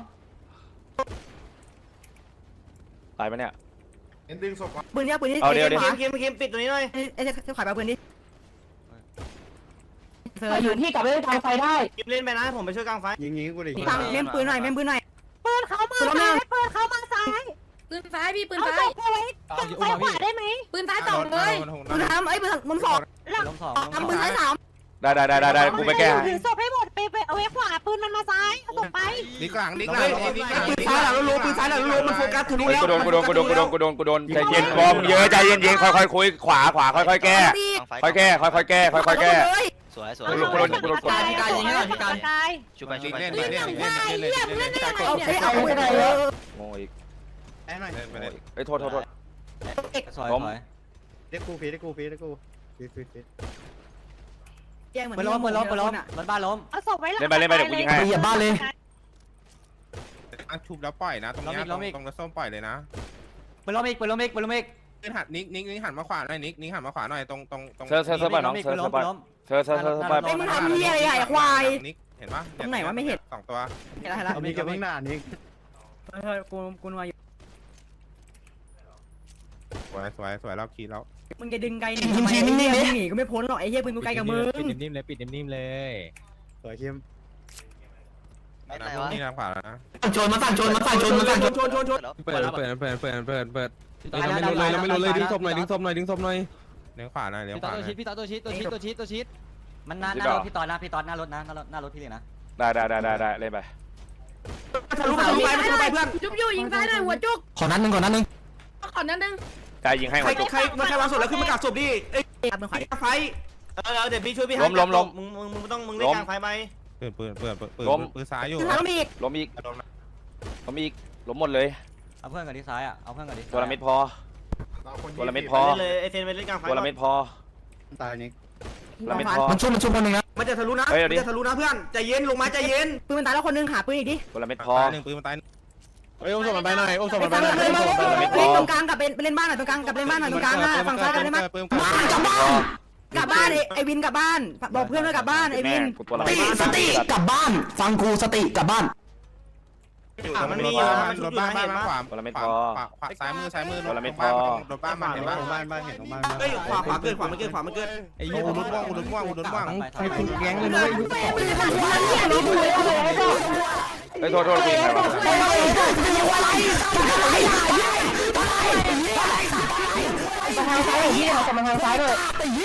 Speaker 1: ตายปะเนี่ย
Speaker 5: เอ็นดึงศพ
Speaker 2: ปืนเนี้ยปืนนี้
Speaker 3: คิมคิมคิมปิดตัวนี้หน่อย
Speaker 2: ไอ้เจ้าขายไปปืนดิเซอร์อยู่ที่กลับไปทางไฟได้
Speaker 3: เล่นไปนะผมไปช่วยกลางไฟ
Speaker 5: ยิงยิงกูดิ
Speaker 2: ทางเล่นปืนหน่อยเล่นปืนหน่อย
Speaker 6: ปืนเขามาซ้ายปืนเขามาซ้าย
Speaker 9: ปืนซ้ายพี่ปืน
Speaker 6: เอา
Speaker 9: ซ้า
Speaker 6: ศ
Speaker 9: ย
Speaker 6: พเอาไว้ตรงซ้ายขวาได้ไหม
Speaker 9: ปืนซ้ายสองเลย
Speaker 2: ปืนทำไอ้ปืนมุมสอง
Speaker 4: ล้มสอง
Speaker 2: ทำปืนซ้ายสาม
Speaker 1: ได้ได้ได้ได้ได้กูไปแก้ให้
Speaker 6: ถือศพให้หมดไปไปเอาไว้ขวาปืนมันมาซ้ายเอาศพไป
Speaker 5: ดิกหลังดิกห
Speaker 3: เฮ้
Speaker 5: ลั
Speaker 3: ย
Speaker 5: งดิกห
Speaker 3: ปื
Speaker 5: ลัง
Speaker 3: นซ้ายหลังเรารู้ปืนซ้ายหลังเรารู้มันโฟกัสทะลุ
Speaker 1: เฮ้ย
Speaker 3: แล้ว
Speaker 1: กูโดนกูโดนกูโดนกูโดนกูโดนกูโดนใจเย็นบอมเยอะใจเย็นเย็นค่อยๆคุยขวาขวาค่อยๆแก้ ค่อยแก้ค่อยๆแก้ค่อยๆแก้
Speaker 7: สวยสวย
Speaker 1: กูโดนกูโดนกูโดน
Speaker 6: พี่กายยิงให้หน่อยพี่กาย
Speaker 7: ชุบไปชุ
Speaker 5: ดิ
Speaker 7: บ
Speaker 5: ก
Speaker 7: ไป
Speaker 5: เล่นเล่นเล่นเล่นเล่นเล่นเล่น
Speaker 2: เอาไอ้เอาไปไหนเยอะ
Speaker 1: โง่อีก
Speaker 5: เล่นไปเลย
Speaker 1: เฮ้ยโทษโทษโทษ
Speaker 4: สวย
Speaker 1: ล้ม
Speaker 4: สวย
Speaker 5: เด็กกูฟีเด็กกูฟีเด็กกูฟีฟีฟี
Speaker 2: แย่งเหมือน
Speaker 4: ปืนล้มปืนล้มปืนล้มรถบ้านล้ม
Speaker 6: เอาศพไว้หลัง
Speaker 1: เล่นไปเล่นไปเดี๋ยวกูยิงให้
Speaker 2: เหยียบบ้านเลย
Speaker 5: อ่ะชุบแล้วปล่อยนะตรงนี้ตรงตรงรถส้มปล่อยเลยนะ
Speaker 4: ปืนล้มอีกปืนล้มอีกปืนล้มอีก
Speaker 5: นิกหันนิกนิกนิกหันมาขวาหน่อยนิกนิกหันมาขวาหน่อยตรงตรงตรง
Speaker 1: เซอร์เซอร์เซอร์ไปน้องเซอร์เซอร์ไปเซอร์เซอร์เซอร์ไป
Speaker 2: ไอ้มึงทำเหี้ยอะไรอ่ะควาย
Speaker 5: นิกเห็นปะ
Speaker 2: ตรงไหนวะไม่เห็น
Speaker 5: สองตัว
Speaker 2: เห็นแล้วเห็นแล้ว
Speaker 5: นิกกับนิกหน้านิก
Speaker 2: เฮ้ยกูกูนัวอยู่
Speaker 5: สวยสวยสวยเราขี่แล้ว
Speaker 2: มึงจะดึงไกลหนีทำไมไอ้เหี้ยมึงหนีก็ไม่พ้นหรอกไอ้เหี้ยปืนกูไกลกับมึง
Speaker 4: ปิดนิ่มๆเลยปิดนิ่มๆเลย
Speaker 5: สวยเข้ม
Speaker 7: ไม่ไรวะ
Speaker 5: นี่ทางขวาแล้วนะ
Speaker 3: ชนมาสั่งชนมาสั่งชนมาสั่งชนชนชนชน
Speaker 5: เปิดเปิดเปิดเปิดเปิดเปิด
Speaker 4: เราไม่รู้เลยเราไม่รู้เลยดึงศพหน่อยดึงศพ
Speaker 5: เลี้ยวขวาหน่อยเลี้ยว
Speaker 4: พี่
Speaker 5: ข
Speaker 4: ตอ
Speaker 5: วาน ห
Speaker 4: ตัว
Speaker 5: น่อย
Speaker 4: ชิดพี่ตอนตัวชิดตัวชิดตัวชิดตัวชิดมันหน้าหน้ารถพี่ตอนนะพี่ตอนหน้ารถนะหน้ารถหน้ารถพี่เลยนะ
Speaker 1: ได้ได้ได้ได้ได้เล่นไป
Speaker 3: ทะลุทะลุไปทะลุไปเพื่อน
Speaker 9: จุ๊บอยู่ยิงซ้ายหน่อยหัวจุก
Speaker 4: ขอนั้นหนึ่งขอนั้นหนึ่ง
Speaker 9: ขอนั้นนึง
Speaker 1: ใจยิงให้
Speaker 3: ใคร
Speaker 1: หัวจุก
Speaker 3: ใครมาใครวางศพแล้วขึ้นมากักศพดิเอ้ย
Speaker 2: ครับมึงขอ
Speaker 3: ไฟเออเดี๋ยวพี่ช่วยพี่
Speaker 1: ล้มล้มล้ม
Speaker 3: มึงมึงมึงต้องมึงเล่นกลางไฟไหม
Speaker 5: เปิดเปิดเปิดเปิดเปิด
Speaker 1: ล้ม
Speaker 5: ปืนซ้ายอยู่
Speaker 2: คือทำอีก
Speaker 1: ล้มอีกล้มอีกล้มหมดเลย
Speaker 4: เอาเพื่อนกันที่ซ้ายอ่ะเอาเพื่อนกันที่
Speaker 1: ตัวละเม็ดพอตัวละเม็ดพอ
Speaker 3: เล่นเลยไอเซนไปเล่นกลางไฟ
Speaker 1: ตัวละเม็ดพอ
Speaker 5: ตายนิก
Speaker 1: ตัวละเม็ดพอ
Speaker 4: มันชุบมันชุบคนหนึ่งนะ
Speaker 3: มันจะทะลุนะ
Speaker 1: เฮ้ยเอาดิ
Speaker 3: มันจะทะลุนะเพื่อนใจเย็นลงมาใจเย็น
Speaker 2: ปืนมันตายแล้วคนนึงหาปืนอีกดิ
Speaker 1: ตัวละเม็ดพอ
Speaker 5: ตายหนึ่งปืนมันตายเฮ้ยอุ้มศพมันไปหน่อยอุ้มศพ
Speaker 2: ไป
Speaker 5: มันไป
Speaker 2: ฟัง
Speaker 5: หน่อย
Speaker 2: เลย
Speaker 1: ตัวละเม็ดพอ
Speaker 2: เล่นตรงกลางกับเป็นเล่นบ้านหน่อยตรงกลางกับเล่นบ้านหน่อยตรงกลางอ่ะฝั่งซ้ายกับเล่นบ้าน
Speaker 5: ปืน
Speaker 2: บ้านกลับบ้านกลับบ้านไอ้วินกลับบ้านบอกเพื่อนว่ากลับบ้านไอ้วิน
Speaker 1: กูตัวละเม็ด
Speaker 2: สติกลับบ้านฟังกูสติกลับบ้าน
Speaker 3: มันมีอยู่นะมัน
Speaker 5: ร
Speaker 3: ชุบ
Speaker 5: ถ
Speaker 3: อยู่
Speaker 5: บ้าน
Speaker 3: นะ
Speaker 5: บ้า
Speaker 3: เห็
Speaker 5: น
Speaker 3: น
Speaker 5: มา
Speaker 3: ปะ
Speaker 5: ขวาขวาขวาซ้ายมือซ้ายมือรถบ้านรถบ้านมันเห็นปะบ้านบ้านเห็นบ้าน
Speaker 3: เฮ้ยขวาขวาเกินขวามันเกินขวามันเกิน
Speaker 5: ไอ้ยี่อุดม่วงอุดม่วงอุดม่วง
Speaker 4: ใครคุณแก๊งเลยนะ
Speaker 1: เฮ้ยโทษโทษกูยิงใครวะ
Speaker 2: มาทางซ้ายไอ้เหี้ยมาทางซ้ายเลย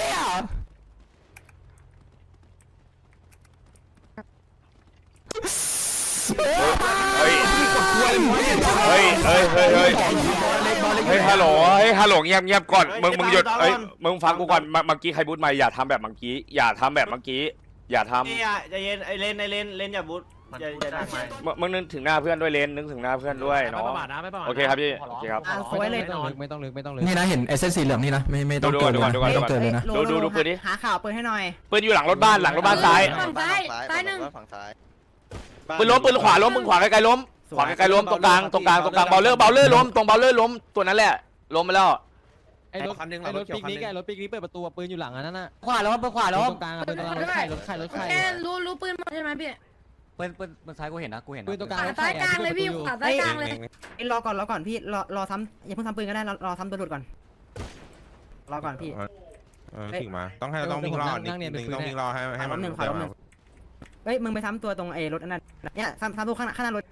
Speaker 1: เฮ้ยเฮ้ยเฮ้ยเฮ้ยเฮ้ยเฮ้ยฮัลโหลเฮ้ยฮัลโหลเงียบเงียบก่อนมึงมึงหยุดเฮ้ยมึงฟังกูก่อนเมื่อกี้ใครบูทมาอย่าทำแบบเมื่อกี้อย่าทำแบบเมื่อกี้อย่าทำ
Speaker 3: นี่อ่ะใจเย็นไอเลนไอเลนเลนอย่าบูทอย่าอย่าดักไม้
Speaker 1: มึงนึกถึงหน้าเพื่อนด้วยเลนนึกถึงหน้าเพื่อนด้วยเนาะโอเคครับพี่โอเคครับ
Speaker 2: อ่ะสวยเลย
Speaker 4: ไม่ต้องลึกไม่ต้องลึกไม่ต้องลึก
Speaker 10: นี่นะเห็นไอ้เส้นสีเหลืองนี่นะไม่ไม่
Speaker 1: ดู
Speaker 10: ต้อง
Speaker 1: ดู
Speaker 10: เกิน
Speaker 1: ดู
Speaker 10: เลย
Speaker 1: ก่อน
Speaker 10: นะ
Speaker 1: ดูก่อน
Speaker 10: ไม่
Speaker 1: ดู
Speaker 10: ต้
Speaker 1: ก่
Speaker 10: อ
Speaker 1: อง น
Speaker 10: เกินเลยนะ
Speaker 1: ดูดูดูปืนดิ
Speaker 2: หาข่าวปืนให้หน่อย
Speaker 1: ปืนอยู่หลังรถบ้านหลังรถบ้านซ้าย
Speaker 9: ฝั่งซ้ายซ้ายหนึ่ง
Speaker 7: ฝั่งซ้าย
Speaker 1: ปืนล้มปืนขวาล้มมึงขวาไกลๆล้มขวาไกลๆล้มตรงกลางตรงกลางตรงกลางเบลเลอร์เบลเลอร์ล้มตรงเบลเลอร์ล้มตัวนั้นแหละล้มไปแล้ว
Speaker 4: ไอ้รถไอ้รถปิกนิกไอ้รถปิกนิกเปิดประตูปืนอยู่หลังอันนั้นน่ะ
Speaker 2: ขวาล้มขวาล้
Speaker 4: ต
Speaker 2: ม
Speaker 4: รงกลางปืนตรงกลางรถไข่รถไข่รถไข่
Speaker 9: แค่รู้รู้ปืนหมดใช่ไหมพี่
Speaker 4: ปืนปืนปืนซ้ายกูเห็นนะกูเห็นปืนตรงกลาง
Speaker 9: ขวาซ้ายกลางเลยพี่ขวาซ้ายกลางเลย
Speaker 2: ไอ้รอก่อนรอก่อนพี่รอรอซ้ำอย่าเพิ่งซ้ำปืนก็ได้รอรอซ้ำตัวหลุดก่อนรอก่อนพี่
Speaker 5: เออถึงมาต้องให้ต้องวิ่งรอนิกต้องวิ่งรอให้ให้มัน
Speaker 2: เฮ้ยมึงไปซ้ำตัวตรงไอ้รถอันนั้นเนี่ยซ้ำซ้ำตัวข้างหน้าข้างหน้ารถ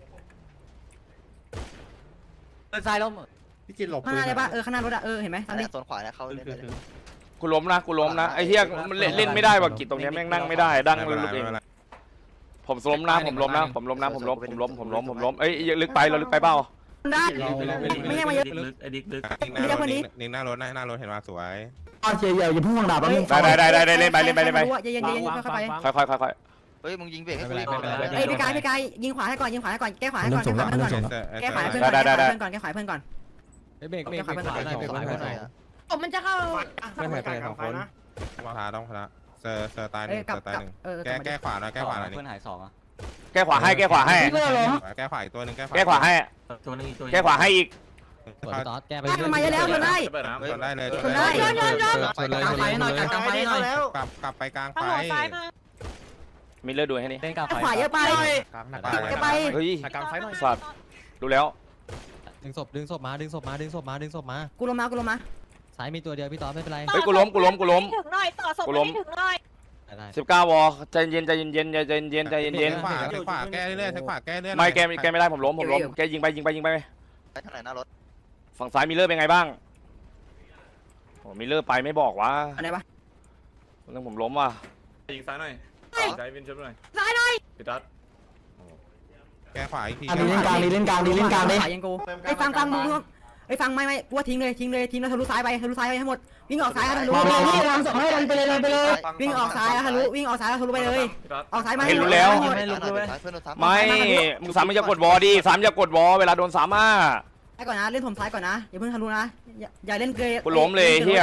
Speaker 4: ปืนซ้ายล้ม
Speaker 5: พี่กินหลบ
Speaker 2: ข้างหน้าเลยป่ะเออข้างหน้ารถอะเออเห็นไหม
Speaker 7: อั
Speaker 2: ซ้ำ
Speaker 7: น
Speaker 2: ดิ
Speaker 7: นี้โซนขวานะเข้าเล่นได้เลย
Speaker 1: กูล้มนะกูล้มนะไอ้เหี้ยมันเล่นเล่นไม่ได้ว่ะกิจตรงเนี้ยแม่งนั่งไม่ได้ดั้งลุกเองผมล้มนะผมล้มนะผมล้มนะผมล้มผมล้มผมล้มผมล้มเอ้ยลึกไปเราลึกไปเปล่า
Speaker 2: ได้ไม่ใช่มาเยอะ
Speaker 5: นิกหน้ารถหน้ารถเห็นว่าสวย
Speaker 10: อ้าวเจียวอย่าเพิ่งวางดาบแล้วมึง
Speaker 1: ได้ได้ได้ได้เล่นไปเล่นไปเล่นไป
Speaker 2: เย็นเย็นเย็นค่อยไป
Speaker 1: ค่อยค่อยค่อยค่อย
Speaker 7: เฮ้ยมึงยิงเบรกให้
Speaker 4: ไม่
Speaker 7: กู
Speaker 4: เป็นไร
Speaker 7: ดิ
Speaker 4: ไม่เป็นไร
Speaker 2: เอ้ยพี่กายพี่กายยิงขวาให้ก่อนยิงขวาให้ก่อนแก้ขวาให้ก่อนแก้ขวาให้เพื่อนก่อนแก้ขวาให้เพื่อนก่อนแก้ขวาให้เพื่อนก่อนแก้ขวาให้เพื่อนก่อน
Speaker 4: เบรกเบรกเบรกขวาหน่อยเบรกขวาหน่อย
Speaker 9: ผมมันจะเข้า
Speaker 3: ไม่หายไปสองคน
Speaker 5: พาต้องพาเซอร์เซอร์ตายห
Speaker 2: เอ้
Speaker 5: นึ่
Speaker 2: ย
Speaker 5: ง
Speaker 2: กลับ
Speaker 5: เซอร์ตาย
Speaker 2: กลับ
Speaker 5: หนึ่ง
Speaker 2: เออ
Speaker 5: แก้แก้ขวาหน่อยแก้ขวาหน่อย
Speaker 4: เพื่อนหายสองอ่ะ
Speaker 1: แก้ขวาให้แก้ขวาให้
Speaker 5: แก้ขวาอีกตัวหนึ่งแก้ขวา
Speaker 1: แก้ขวาให้แก้ขวาให้อีก
Speaker 4: สวยตอสแก้ไป
Speaker 2: ทำไมจะแล้วมันได้
Speaker 5: ชนได้เลย
Speaker 2: ชนได้
Speaker 4: ชนเลย
Speaker 3: กลางไฟหน่อยกลางไฟหน่อยแล้ว
Speaker 5: กลับกลับไปกลาง
Speaker 6: เอา
Speaker 5: ไฟ
Speaker 6: หัวซ้ายมา
Speaker 1: มีเลือดดูให้นี่
Speaker 4: เล่นกลางไฟ
Speaker 2: ขวาเยอะไป
Speaker 5: กลาง
Speaker 2: ไป
Speaker 1: เฮ้ยสัตว์ดูแล้ว
Speaker 4: ดึงศพดึงศพมาดึงศพมาดึงศพมาดึงศพมา
Speaker 2: กูลงมากูลงมา
Speaker 4: ซ้ายมีตัวเดียวพี่ตอสไม่เป็นไร
Speaker 1: เฮ้ยกูล้มกูล้มกูล้ม
Speaker 6: ถึงหน่อยต่อศพ
Speaker 1: กูล้ม
Speaker 6: ไม่ถึงหน่อย
Speaker 1: สิบเก้าวอใจเย็นใจเย็นเย็นใจเย็นเย็นใจเย็นเย็น
Speaker 5: ขวาใช้ขวาแก้เรื่อยๆใช้ขวาแก้เรื่อยๆ
Speaker 1: ไม่แกแกไม่ได้ผมล้มผมล้มแกยิงไปยิงไปยิงไป
Speaker 7: ไปทางไหนหน้ารถ
Speaker 1: ฝั่งซ้ายมิลเลอร์เป็นไงบ้างโอ้มิลเลอร์ไปไม่บอกว่า
Speaker 2: อันไหนปะ
Speaker 1: เรื่องผมล้มว่ะ
Speaker 11: ยิงซ้ายหน่อยใจวินช่วยหน่อย
Speaker 9: ซ้ายหน่อย
Speaker 11: พี่ตัด
Speaker 5: แก้ขวาอีกที
Speaker 10: อ่ะดีเล่นกลางดีเล่นกลางดีเล่นกลางดิ
Speaker 2: ขยังกูไอ้ฟังฟังมึงไอ้ฟังไม่ไม่กูว่าทิ้งเลยทิ้งเลยทิ้งแล้วทะลุซ้ายไปทะลุซ้ายไปให้หมดวิ่งออกซ้ายทะลุ
Speaker 8: มาเลยพี่ทำศพให้ดันไปเลยดันไปเลย
Speaker 2: วิ่งออกซ้ายทะลุวิ่งออกซ้ายทะลุไปเลย
Speaker 11: พี่ตัด
Speaker 2: ออกซ้ายมา
Speaker 1: เห็นรู้แล้ว
Speaker 7: เพื่อนโดนซ้ำ
Speaker 1: ไม่มึงสามมึงจะกดวอดิสามอย่ากดวอเวลาโดนสามอ่ะ
Speaker 2: ซ้ายก่อนนะเล่นผมซ้ายก่อนนะอย่าเพิ่งทะลุนะอย่าอย่าเล่นเกย
Speaker 1: กูล้มเลยเฮีย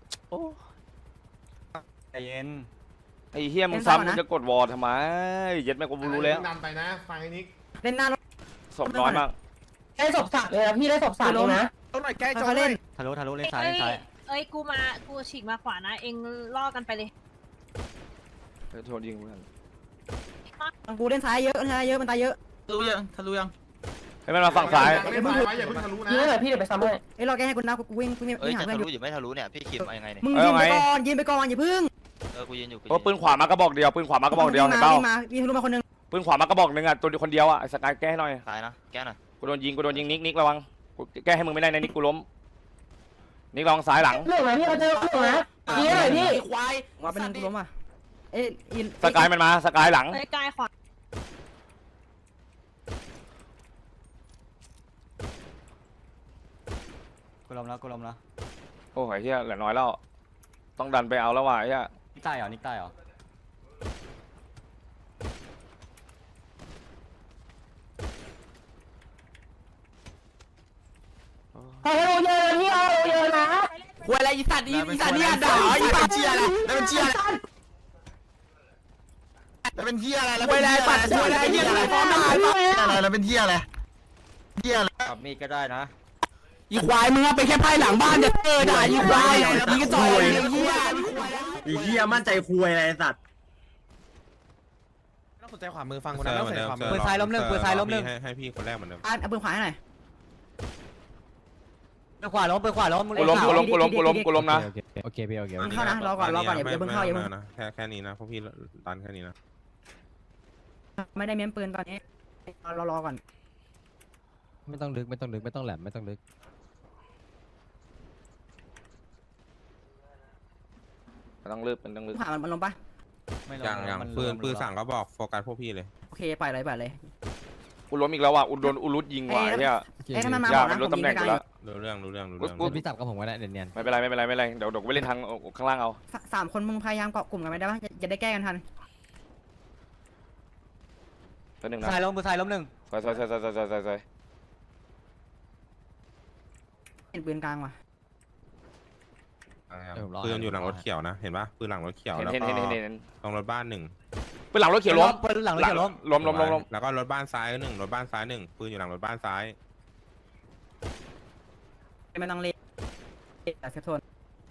Speaker 4: ใจเย็น
Speaker 1: ไอ้เฮียมึงสามมึงจะกดวอทำไมเย็ดแม่กูรู้แล้ว
Speaker 5: ดันไปนะฟังไอ้นิก
Speaker 2: เล่นหน้ารถ
Speaker 1: ศพน้อยมาก
Speaker 8: ได้ศพสัตว์เลยนะพี่ได้ศพสัตว์เลยนะ
Speaker 5: ต้นหน่อยแก้จอ
Speaker 2: เขา
Speaker 5: เล
Speaker 2: เล่
Speaker 5: ย
Speaker 2: น
Speaker 4: ทะลุทะลุเล่นซ้าย
Speaker 6: เอ้
Speaker 4: เล่นซ้าย
Speaker 6: ยเอ้ยกูมากูฉีกมาขวานะเองล่อกันไปเลย
Speaker 1: โทษยิงเพื่อน
Speaker 2: กูเล่นซ้ายเยอะเล่นซ้ายเยอะมันตายเยอะ
Speaker 3: ทะลุยังทะลุยัง
Speaker 1: ให้มันมาฝั่งซ้าย
Speaker 5: อย่าเพิ่งทะลุอย่าเพิ่งทะลุนะ
Speaker 8: พี่เลยพี่เดี๋ยวไปซ้ำให้
Speaker 2: ไอ้รอแกให้กูนะกูวิ่งกูวิ่ง
Speaker 7: เอ้ย
Speaker 2: หา
Speaker 7: จะ
Speaker 2: เพื่อน
Speaker 7: ทะ
Speaker 2: อ
Speaker 7: ลุ
Speaker 2: ยู่
Speaker 7: อยู่ไม่ทะลุเนี่ยพี่คิมมายังไงเนี่ย
Speaker 2: มึงยืนไปก่อนยืนไปก่อนอย่าพึ่ง
Speaker 7: เออกูยืนอยู่กู
Speaker 1: เพราะปืนขวามากระบอกเดียวปืนขวามากระบอกเดียวเห็นเปล่า
Speaker 2: วิ่งมาวิ่งทะลุมาคนนึง
Speaker 1: ปืนขวามากระบอกหนึ่งอ่ะตัวเดียวคนเดียวอ่ะไอ้สกายแก้ให้หน่อย
Speaker 7: ตายนะแก้หน่อย
Speaker 1: กูโดนยิงกูโดนยิงนิกนิกระวังกูแก้ให้มึงไม่ได้นะนิกกูล้มนิกระวังซ้ายหลัง
Speaker 8: เรื่องไหนพี่เขาเจอเรื่องไหนพี่หน่อยพี่
Speaker 2: ควายว่าเป็นกูล้มอ่ะเอ้ยอิน
Speaker 1: สกายมันมาสกายหลัง
Speaker 6: เอ้ยกายขวา
Speaker 4: กูล้มแล้วกูล้มแล้ว
Speaker 1: โอ้ยเฮียเหลือน้อยแล้วต้องดันไปเอาแล้วว่ะเฮีย
Speaker 4: นิกตายเหรอนิกตายเหรอ
Speaker 8: ให้เราเยอะพี่เอาเยอะนะ
Speaker 3: ควยอะไรอีสัตว์อีอีสัตว์เนี่ยด่าอีสัตว์เชียอะไรแล้วมันเชียอะไรแล้วเป็นเชียอะไรแล้วเป็นเชียอะไรควยอะไรเชียอะไรฟ้องด่าอะไรแล้วเป็นเชียอะไรเชียอะไร
Speaker 4: ขับมีดก็ได้นะ
Speaker 3: อีควายมึงอะไปแค่ไพ่หลังบ้านจะเจอด่าอีควายมึงก็จ่อยไอ้เหี้ย
Speaker 10: อีเหี้ยมั่นใจคุยอะไรสัตว์
Speaker 5: ต้องสนใจขวามือฟังคนนั้นต้องสนใจขวามือ
Speaker 4: ปืนซ้ายล้มหนึ่งปืนซ้ายล้มหนึ่ง
Speaker 5: ให้ให้พี่คนแรกเหมือนเดิม
Speaker 2: อ่ะเอาปืนขวาให้หน่อย
Speaker 4: ปืนขวาล้มปืนขวาล้ม
Speaker 1: กูล้มกูล้มกูล้มกูล้มกูล้มนะ
Speaker 4: โอเคพี่โอเค
Speaker 2: มึงเข้านะรอก่อนรอก่อนอย่าอย่าเพิ่งเข้าอย่าเพิ่ง
Speaker 5: นะแค่แค่นี้นะพวกพี่ดันแค่นี้นะ
Speaker 2: ไม่ได้เม้มปืนตอนนี้รอรอก่อน
Speaker 4: ไม่ต้องลึกไม่ต้องลึกไม่ต้องแหลมไม่ต้องลึก
Speaker 1: มันต้องเลือกมันต้องเลือก
Speaker 2: ขวามันมันลงปะ
Speaker 5: อย่างอย่างปืนปืนสั่งก็บอกโฟกัสพวกพี่เลย
Speaker 2: โอเคปล่อยเลยปล่อยเลย
Speaker 1: กูล้มอีกแล้วว่ะอุดโดนอุลุดยิงว่ะเฮีย
Speaker 2: เอ้ยถ้ามันมา
Speaker 1: อย่า
Speaker 2: บอก
Speaker 1: มัน
Speaker 2: นะ
Speaker 1: รู้
Speaker 2: ผม
Speaker 1: ตำแห
Speaker 2: ยิ
Speaker 1: น่
Speaker 2: ง
Speaker 1: ง
Speaker 2: ไป
Speaker 1: กู
Speaker 2: ไกล
Speaker 1: แล้ว
Speaker 5: รู้เรื่องรู้เรื่องรู้
Speaker 1: กู
Speaker 5: เรื่อง
Speaker 1: กู
Speaker 4: พี่จับกับผมก็ได้เนียน
Speaker 1: ไม่เป็นไรไม่เป็นไรไม่เป็นไรเดี๋ยวเดี๋ยวกูไปเล่นทางข้างล่างเอา
Speaker 2: สามคนมึงพยายามเกาะกลุ่มกันไม่ได้ปะจะได้แก้กันทัน
Speaker 1: ตัวหนึ่ง
Speaker 4: ๆ
Speaker 1: นะ
Speaker 4: ซ้ายล้มปืนซ้ายล้มหนึ่ง
Speaker 1: ซอยซอยซอยซอยซอยซอยซอยซอย
Speaker 2: เห็นปืนกลางว่ะ
Speaker 5: ปืนอยู่หลังรถเขียวนะเห็นปะปืนหลังรถเขียว
Speaker 1: เห็น
Speaker 5: แล้ว
Speaker 1: เห็น
Speaker 5: ก็
Speaker 1: เห็นเห็นเห็น
Speaker 5: ตรงรถบ้านหนึ่ง
Speaker 1: ปืนหลังรถเขียวล้ม
Speaker 4: ปืนหลังรถเขียวล้ม
Speaker 1: ล้มล้มล้มล้ม
Speaker 5: แล้วก็รถบ้านซ้ายหนึ่งรถบ้านซ้ายหนึ่งปืนอยู่หลังรถบ้านซ้าย
Speaker 2: ไม่ต้องเล่นแต่เซฟโทน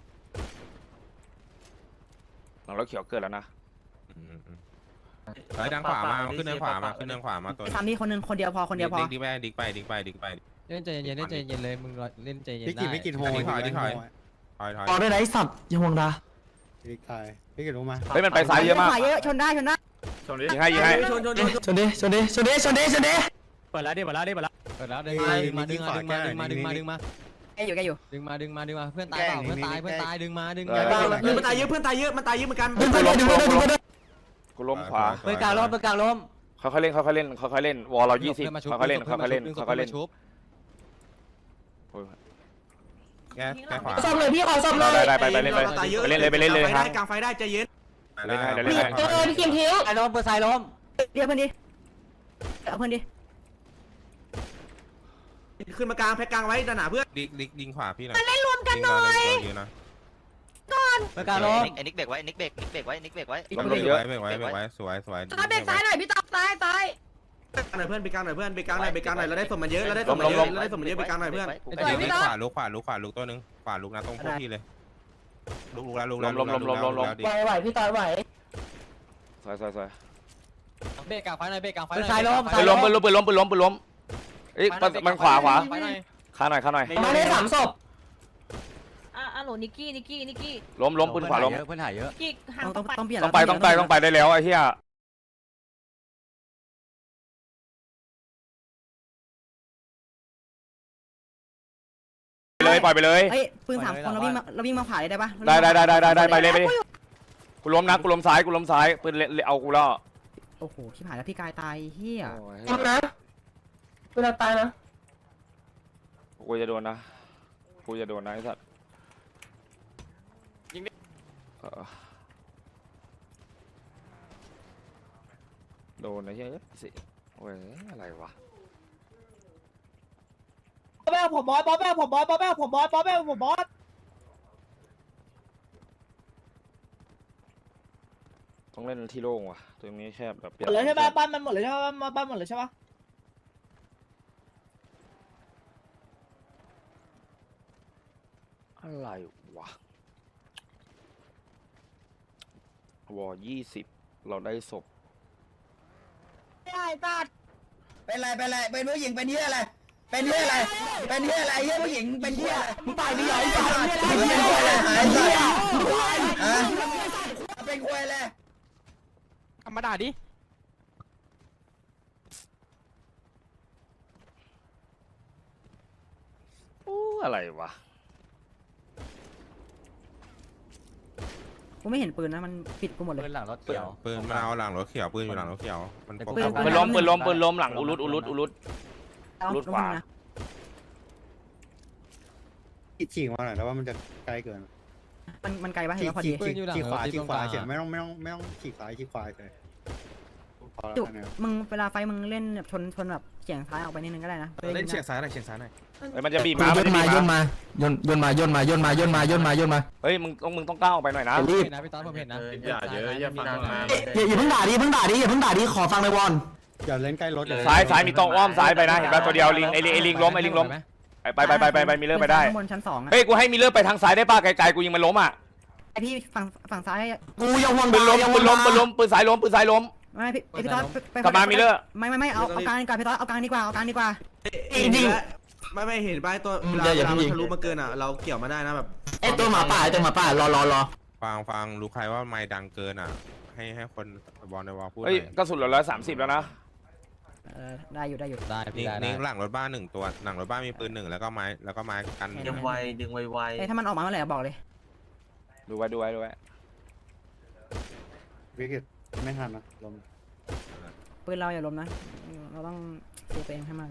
Speaker 1: หลังรถเขียวเกิดแล้วนะ
Speaker 5: อืมอืมไอ้ทางขวามาขึ้นทางขวามาขึ้นทางขวามาตัว
Speaker 2: สามที่คนหนึ่งคนเดียวพอคนเดียวพอ
Speaker 5: ดิกไปดิกไปดิกไปดิกไป
Speaker 4: เล่นใจเย็นเล่นใจเย็นเลยมึงเล่นใจเย็นได้
Speaker 5: ดิกถอยดิกถอยถอยถอย
Speaker 10: ต่อได้ไหนสัตว์ยังห่วงดา
Speaker 1: เฮ้ยมันไปซ้ายเยอะมาก
Speaker 2: ขวาเยอะชนได้ชนได้
Speaker 11: ชนดิ
Speaker 1: ยิงให้ยิงให้
Speaker 3: ชนชนชน
Speaker 10: ชนดิชนดิชนดิชนดิชนดิ
Speaker 4: เปิดแล้วดิเปิดแล้วดิเปิดแล้วเปิดแล้วดึงมาดึงมาดึงมาดึงมาดึงมาดึงมาดึงมา
Speaker 2: แกอยู่แกอยู่
Speaker 4: ดึงมาดึงมาดึงมาเพื่อนตายเปล่าเพื่อนตายเพื่อนตายดึงมาดึง
Speaker 1: เอ
Speaker 4: มา
Speaker 1: อ
Speaker 3: เพื่อนมันตายเยอะเพื่อนตายเยอะมันตายเยอะเหมือนกัน
Speaker 10: ดึงไปเลยดึงไปเลยดึงไปเลย
Speaker 1: กูล้มขวา
Speaker 4: ปืนกลางล้มปืนกลางล้ม
Speaker 1: ค่อยๆเล่นค่อยๆเล่นค่อยๆเล่นวอลเรายี่สิบค่อยๆเล่นค่อยๆเล่นค่อยๆเล่น
Speaker 5: แก้แก้ขวา
Speaker 8: ซ่อมเลยพี่ขอซ่อมเลย
Speaker 1: ได้ได้ไปไปเล่นไป
Speaker 3: ตายเยอะ
Speaker 1: ไปเล่นเลยไปเล่นเลย
Speaker 3: ได้
Speaker 1: ฮะ
Speaker 3: กลางไฟได้ใจเย็น
Speaker 1: เล่นให้เดี๋ยวเล่นให้
Speaker 8: เออพี่คิมทิ้ง
Speaker 4: ซ้ายล้มปืนซ้ายล้ม
Speaker 2: เรียกเพื่อนดิเอาเพื่อนดิ
Speaker 3: ขึ้นมากลางแพ็กกลางไว้ด้านหน้าเพื่อน
Speaker 5: ดิกดิกยิงขวาพี่หน่อยเล่นรวมกันหน่อยเยอะนะ
Speaker 4: ปืนกลางล้ม
Speaker 7: ไอ้นิกเบรกไว้นิกเบรกนิกเบรกไว้นิกเบรกไว้
Speaker 1: ล้มเยอะ
Speaker 5: ไว้ไว้ไว้ไว้สวยสวย
Speaker 9: ซ้ายเบรกซ้ายหน่อยพี่ต๊อบซ้ายซ้าย
Speaker 3: หน่อยเพื่อนไปกลางหน่อยเพื่อนไปกลางหน่อยไปกลางหน่อยเราได้สมมันเยอะเราได้สมมันเยอะเราได้สมมันเยอะไปกลางหน่อยเพื่อน
Speaker 5: ขวาลุกขวาลุกขวาลุกตัวนึงขวาลุกนะตรงพวกพี่เลยลุกลุกแล้วลุกแล้ว
Speaker 8: ไหวไหวพี่ต๊อบไหว
Speaker 1: ซอยซอยซอย
Speaker 4: เบรกกลางไฟหน่อยเบรกกลางไฟ
Speaker 1: ปืนซ้ายล้มปืนล้มปืนล้มปืนล้มปืนล้มปืนล้มเอ้ยมันขวาขวาขาหน่อยขาหน่อย
Speaker 8: มาได้สามศพ
Speaker 6: อ่ะอ่ะโหลนิกกี้นิกกี้นิกกี้
Speaker 1: ล้มล้มปืนขวาล้ม
Speaker 4: เพื่อนหายเยอะ
Speaker 6: กี้ห่าง
Speaker 2: ต้อง
Speaker 6: ไป
Speaker 2: ต้องเปลี่ยน
Speaker 1: ต้องไปต้องไปต้องไปได้แล้วไอ้เหี้ยเลยปล่อยไปเลย
Speaker 2: เอ้ยปืนสามคนเราวิ่งมาเราวิ่งมาขวาได้ปะ
Speaker 1: ได้ได้ได้ได้ได้ได้ไปเลยไปเลยกูล้มนะกูล้มซ้ายกูล้มซ้ายปืนเละเอากูแล้ว
Speaker 2: โอ้โหชิบหายแล้วพี่กายตายเฮีย
Speaker 8: ทำนะเวลาตายนะ
Speaker 1: กูจะโดนนะกูจะโดนนะไอ้สัตว์ยิงดิโดนนะเฮ้ยสิโอ้ยอะไรวะ
Speaker 8: บอสแม่ผมบอสบอสแม่ผมบอสบอสแม่ผมบอสบอสแม่ผมบอส
Speaker 1: ต้องเล่นที่โล่งว่ะตรงนี้แคบแบบ
Speaker 8: หมดเลยใช่ไหมบ้านมันหมดเลยใช่ไหมบ้านหมดเลยใช่ปะ
Speaker 1: อะไรวะวอยี่สิบเราได้ศพ
Speaker 8: ได้ตัด
Speaker 10: เป็นไรเป็นไรเป็นผู้หญิงเป็นเหี้ยอะไรเป็นเหี้ยอะไรเป็นเหี้ยอะไรเหี้ยผู้หญิงเป็นเหี้ยมึงตายไม่ใหญ่ตายเป็นเหี้ยอะไรหายเหี้ยฮะเป็นควยเลย
Speaker 4: ธรรมดาดิ
Speaker 1: อู้อะไรวะ
Speaker 2: กูไม่เห็นปืนนะมันปิดกูหมดเลย
Speaker 4: เพื่อนหลังรถเขียว
Speaker 5: ปืนมันเอาหลังรถเขียวปืนอยู่หลังรถเขียวมัน
Speaker 2: ปืน
Speaker 1: ปืนล้มปืนล้มปืนล้มหลังอุลุดอุลุดอุลุด
Speaker 2: เอา
Speaker 1: รถขวา
Speaker 2: นะ
Speaker 10: ฉีกมาหน่อยแล้วว่ามันจะไกลเกิน
Speaker 2: มันมันไกลปะเห็นว่าพอดี
Speaker 4: ปืนอยู่หลัง
Speaker 10: ฉีกขวา
Speaker 4: รถ
Speaker 10: ฉีกขวา
Speaker 4: ที่ตรงกลาง
Speaker 10: เฉยไม่ต้องไม่ต้องไม่ต้องฉีกซ้ายฉีกขวาเลยพอแล้ว
Speaker 2: จุก
Speaker 10: เนี่ย
Speaker 2: มึงเวลาไฟมึงเล่นแบบชนชนแบบเฉียงซ้ายออกไปนิดนึงก็ได้นะ
Speaker 3: เล่นเฉียงซ้ายหน่อยเฉียงซ้ายหน่อย
Speaker 1: เฮ้ยมันจะบีบมามันจะบีบมา
Speaker 10: ย่นย่นมาย่นมาย่นมาย่นมาย่นมาย่นมา
Speaker 1: เฮ้ยมึงต้องมึงต้องก้าวออกไปหน่อยนะ
Speaker 10: รีบ
Speaker 4: นะพี่ต๊อดผมเห็นนะ
Speaker 11: อย่าเยอะอย่าฟังมา
Speaker 10: อย่าอย่าเพิ่งด่าดิอย่าเพิ่งด่าดิอย่าเพิ่งด่าดิขอฟังในวอนอย่าเล่นใกล้รถ
Speaker 1: ซ้ายซ้ายมีตรงอ้อมซ้ายไปนะเห็นป่ะตัวเดียวลิงไอ้ลิงไอ้ลิงล้มไอ้ลิงล้มไปไปไปไปไปมีเรื่องไปได้
Speaker 2: ข้างบนชั้นสองอะ
Speaker 1: เฮ้ยกูให้มีเรื่องไปทางซ้ายได้ป่ะไกลๆกูยิงมันล้มอ่ะ
Speaker 2: ไอพี่ฝั่งฝั่งซ้าย
Speaker 10: กูยังห่วง
Speaker 1: ปืนล้ม
Speaker 10: ยัง
Speaker 1: ปืนล้มปืนล้มปืนซ้ายล้มปืนซ้ายล้ม
Speaker 2: ไม่พี่พี่ต๊อดไป
Speaker 1: กลับมามีเรื่อง
Speaker 2: ไม่ไม่ไม่เอาเอากลางดีกว่าพี่ต๊อดเอากลางดีกว่าเอากลางดีกว่า
Speaker 3: จริงไม่ไม่เห็นป้ายตัวเวลาเวลามันทะลุมาเกินอ่ะเราเกี่ยวมาได้นะแบบ
Speaker 10: ไอตัวหมาป่าไอตัวหมาป่ารอรอรอ
Speaker 5: ฟังฟังรู้ใครว่าไม่ดังเกินอ่ะให้ให้คนบอลในวอลพูดห
Speaker 1: เฮ้ย
Speaker 5: น่อย
Speaker 1: กระสุนเหลือร้อยสามสิบแล้วนะ
Speaker 2: เออได้อยู่ได้อยู่
Speaker 4: ได้
Speaker 5: นี่
Speaker 4: พี่ได้
Speaker 5: นี่
Speaker 4: ได้
Speaker 5: หลังรถบ้านหนึ่งตัวหลังรถบ้านมีปืนหนึ่งแล้วก็ไม้แล้วก็ไม้กัน
Speaker 2: ดึงไวดึงไวๆถ้ามันออกมาเมื่อไหร่บอกเลย
Speaker 1: ดูไว้ดูไว้ดูไว้
Speaker 10: วิกฤตไม่ทันนะลม
Speaker 2: ปืนเราอย่าล้มนะเราต้องเซฟตัวเองให้มากเลย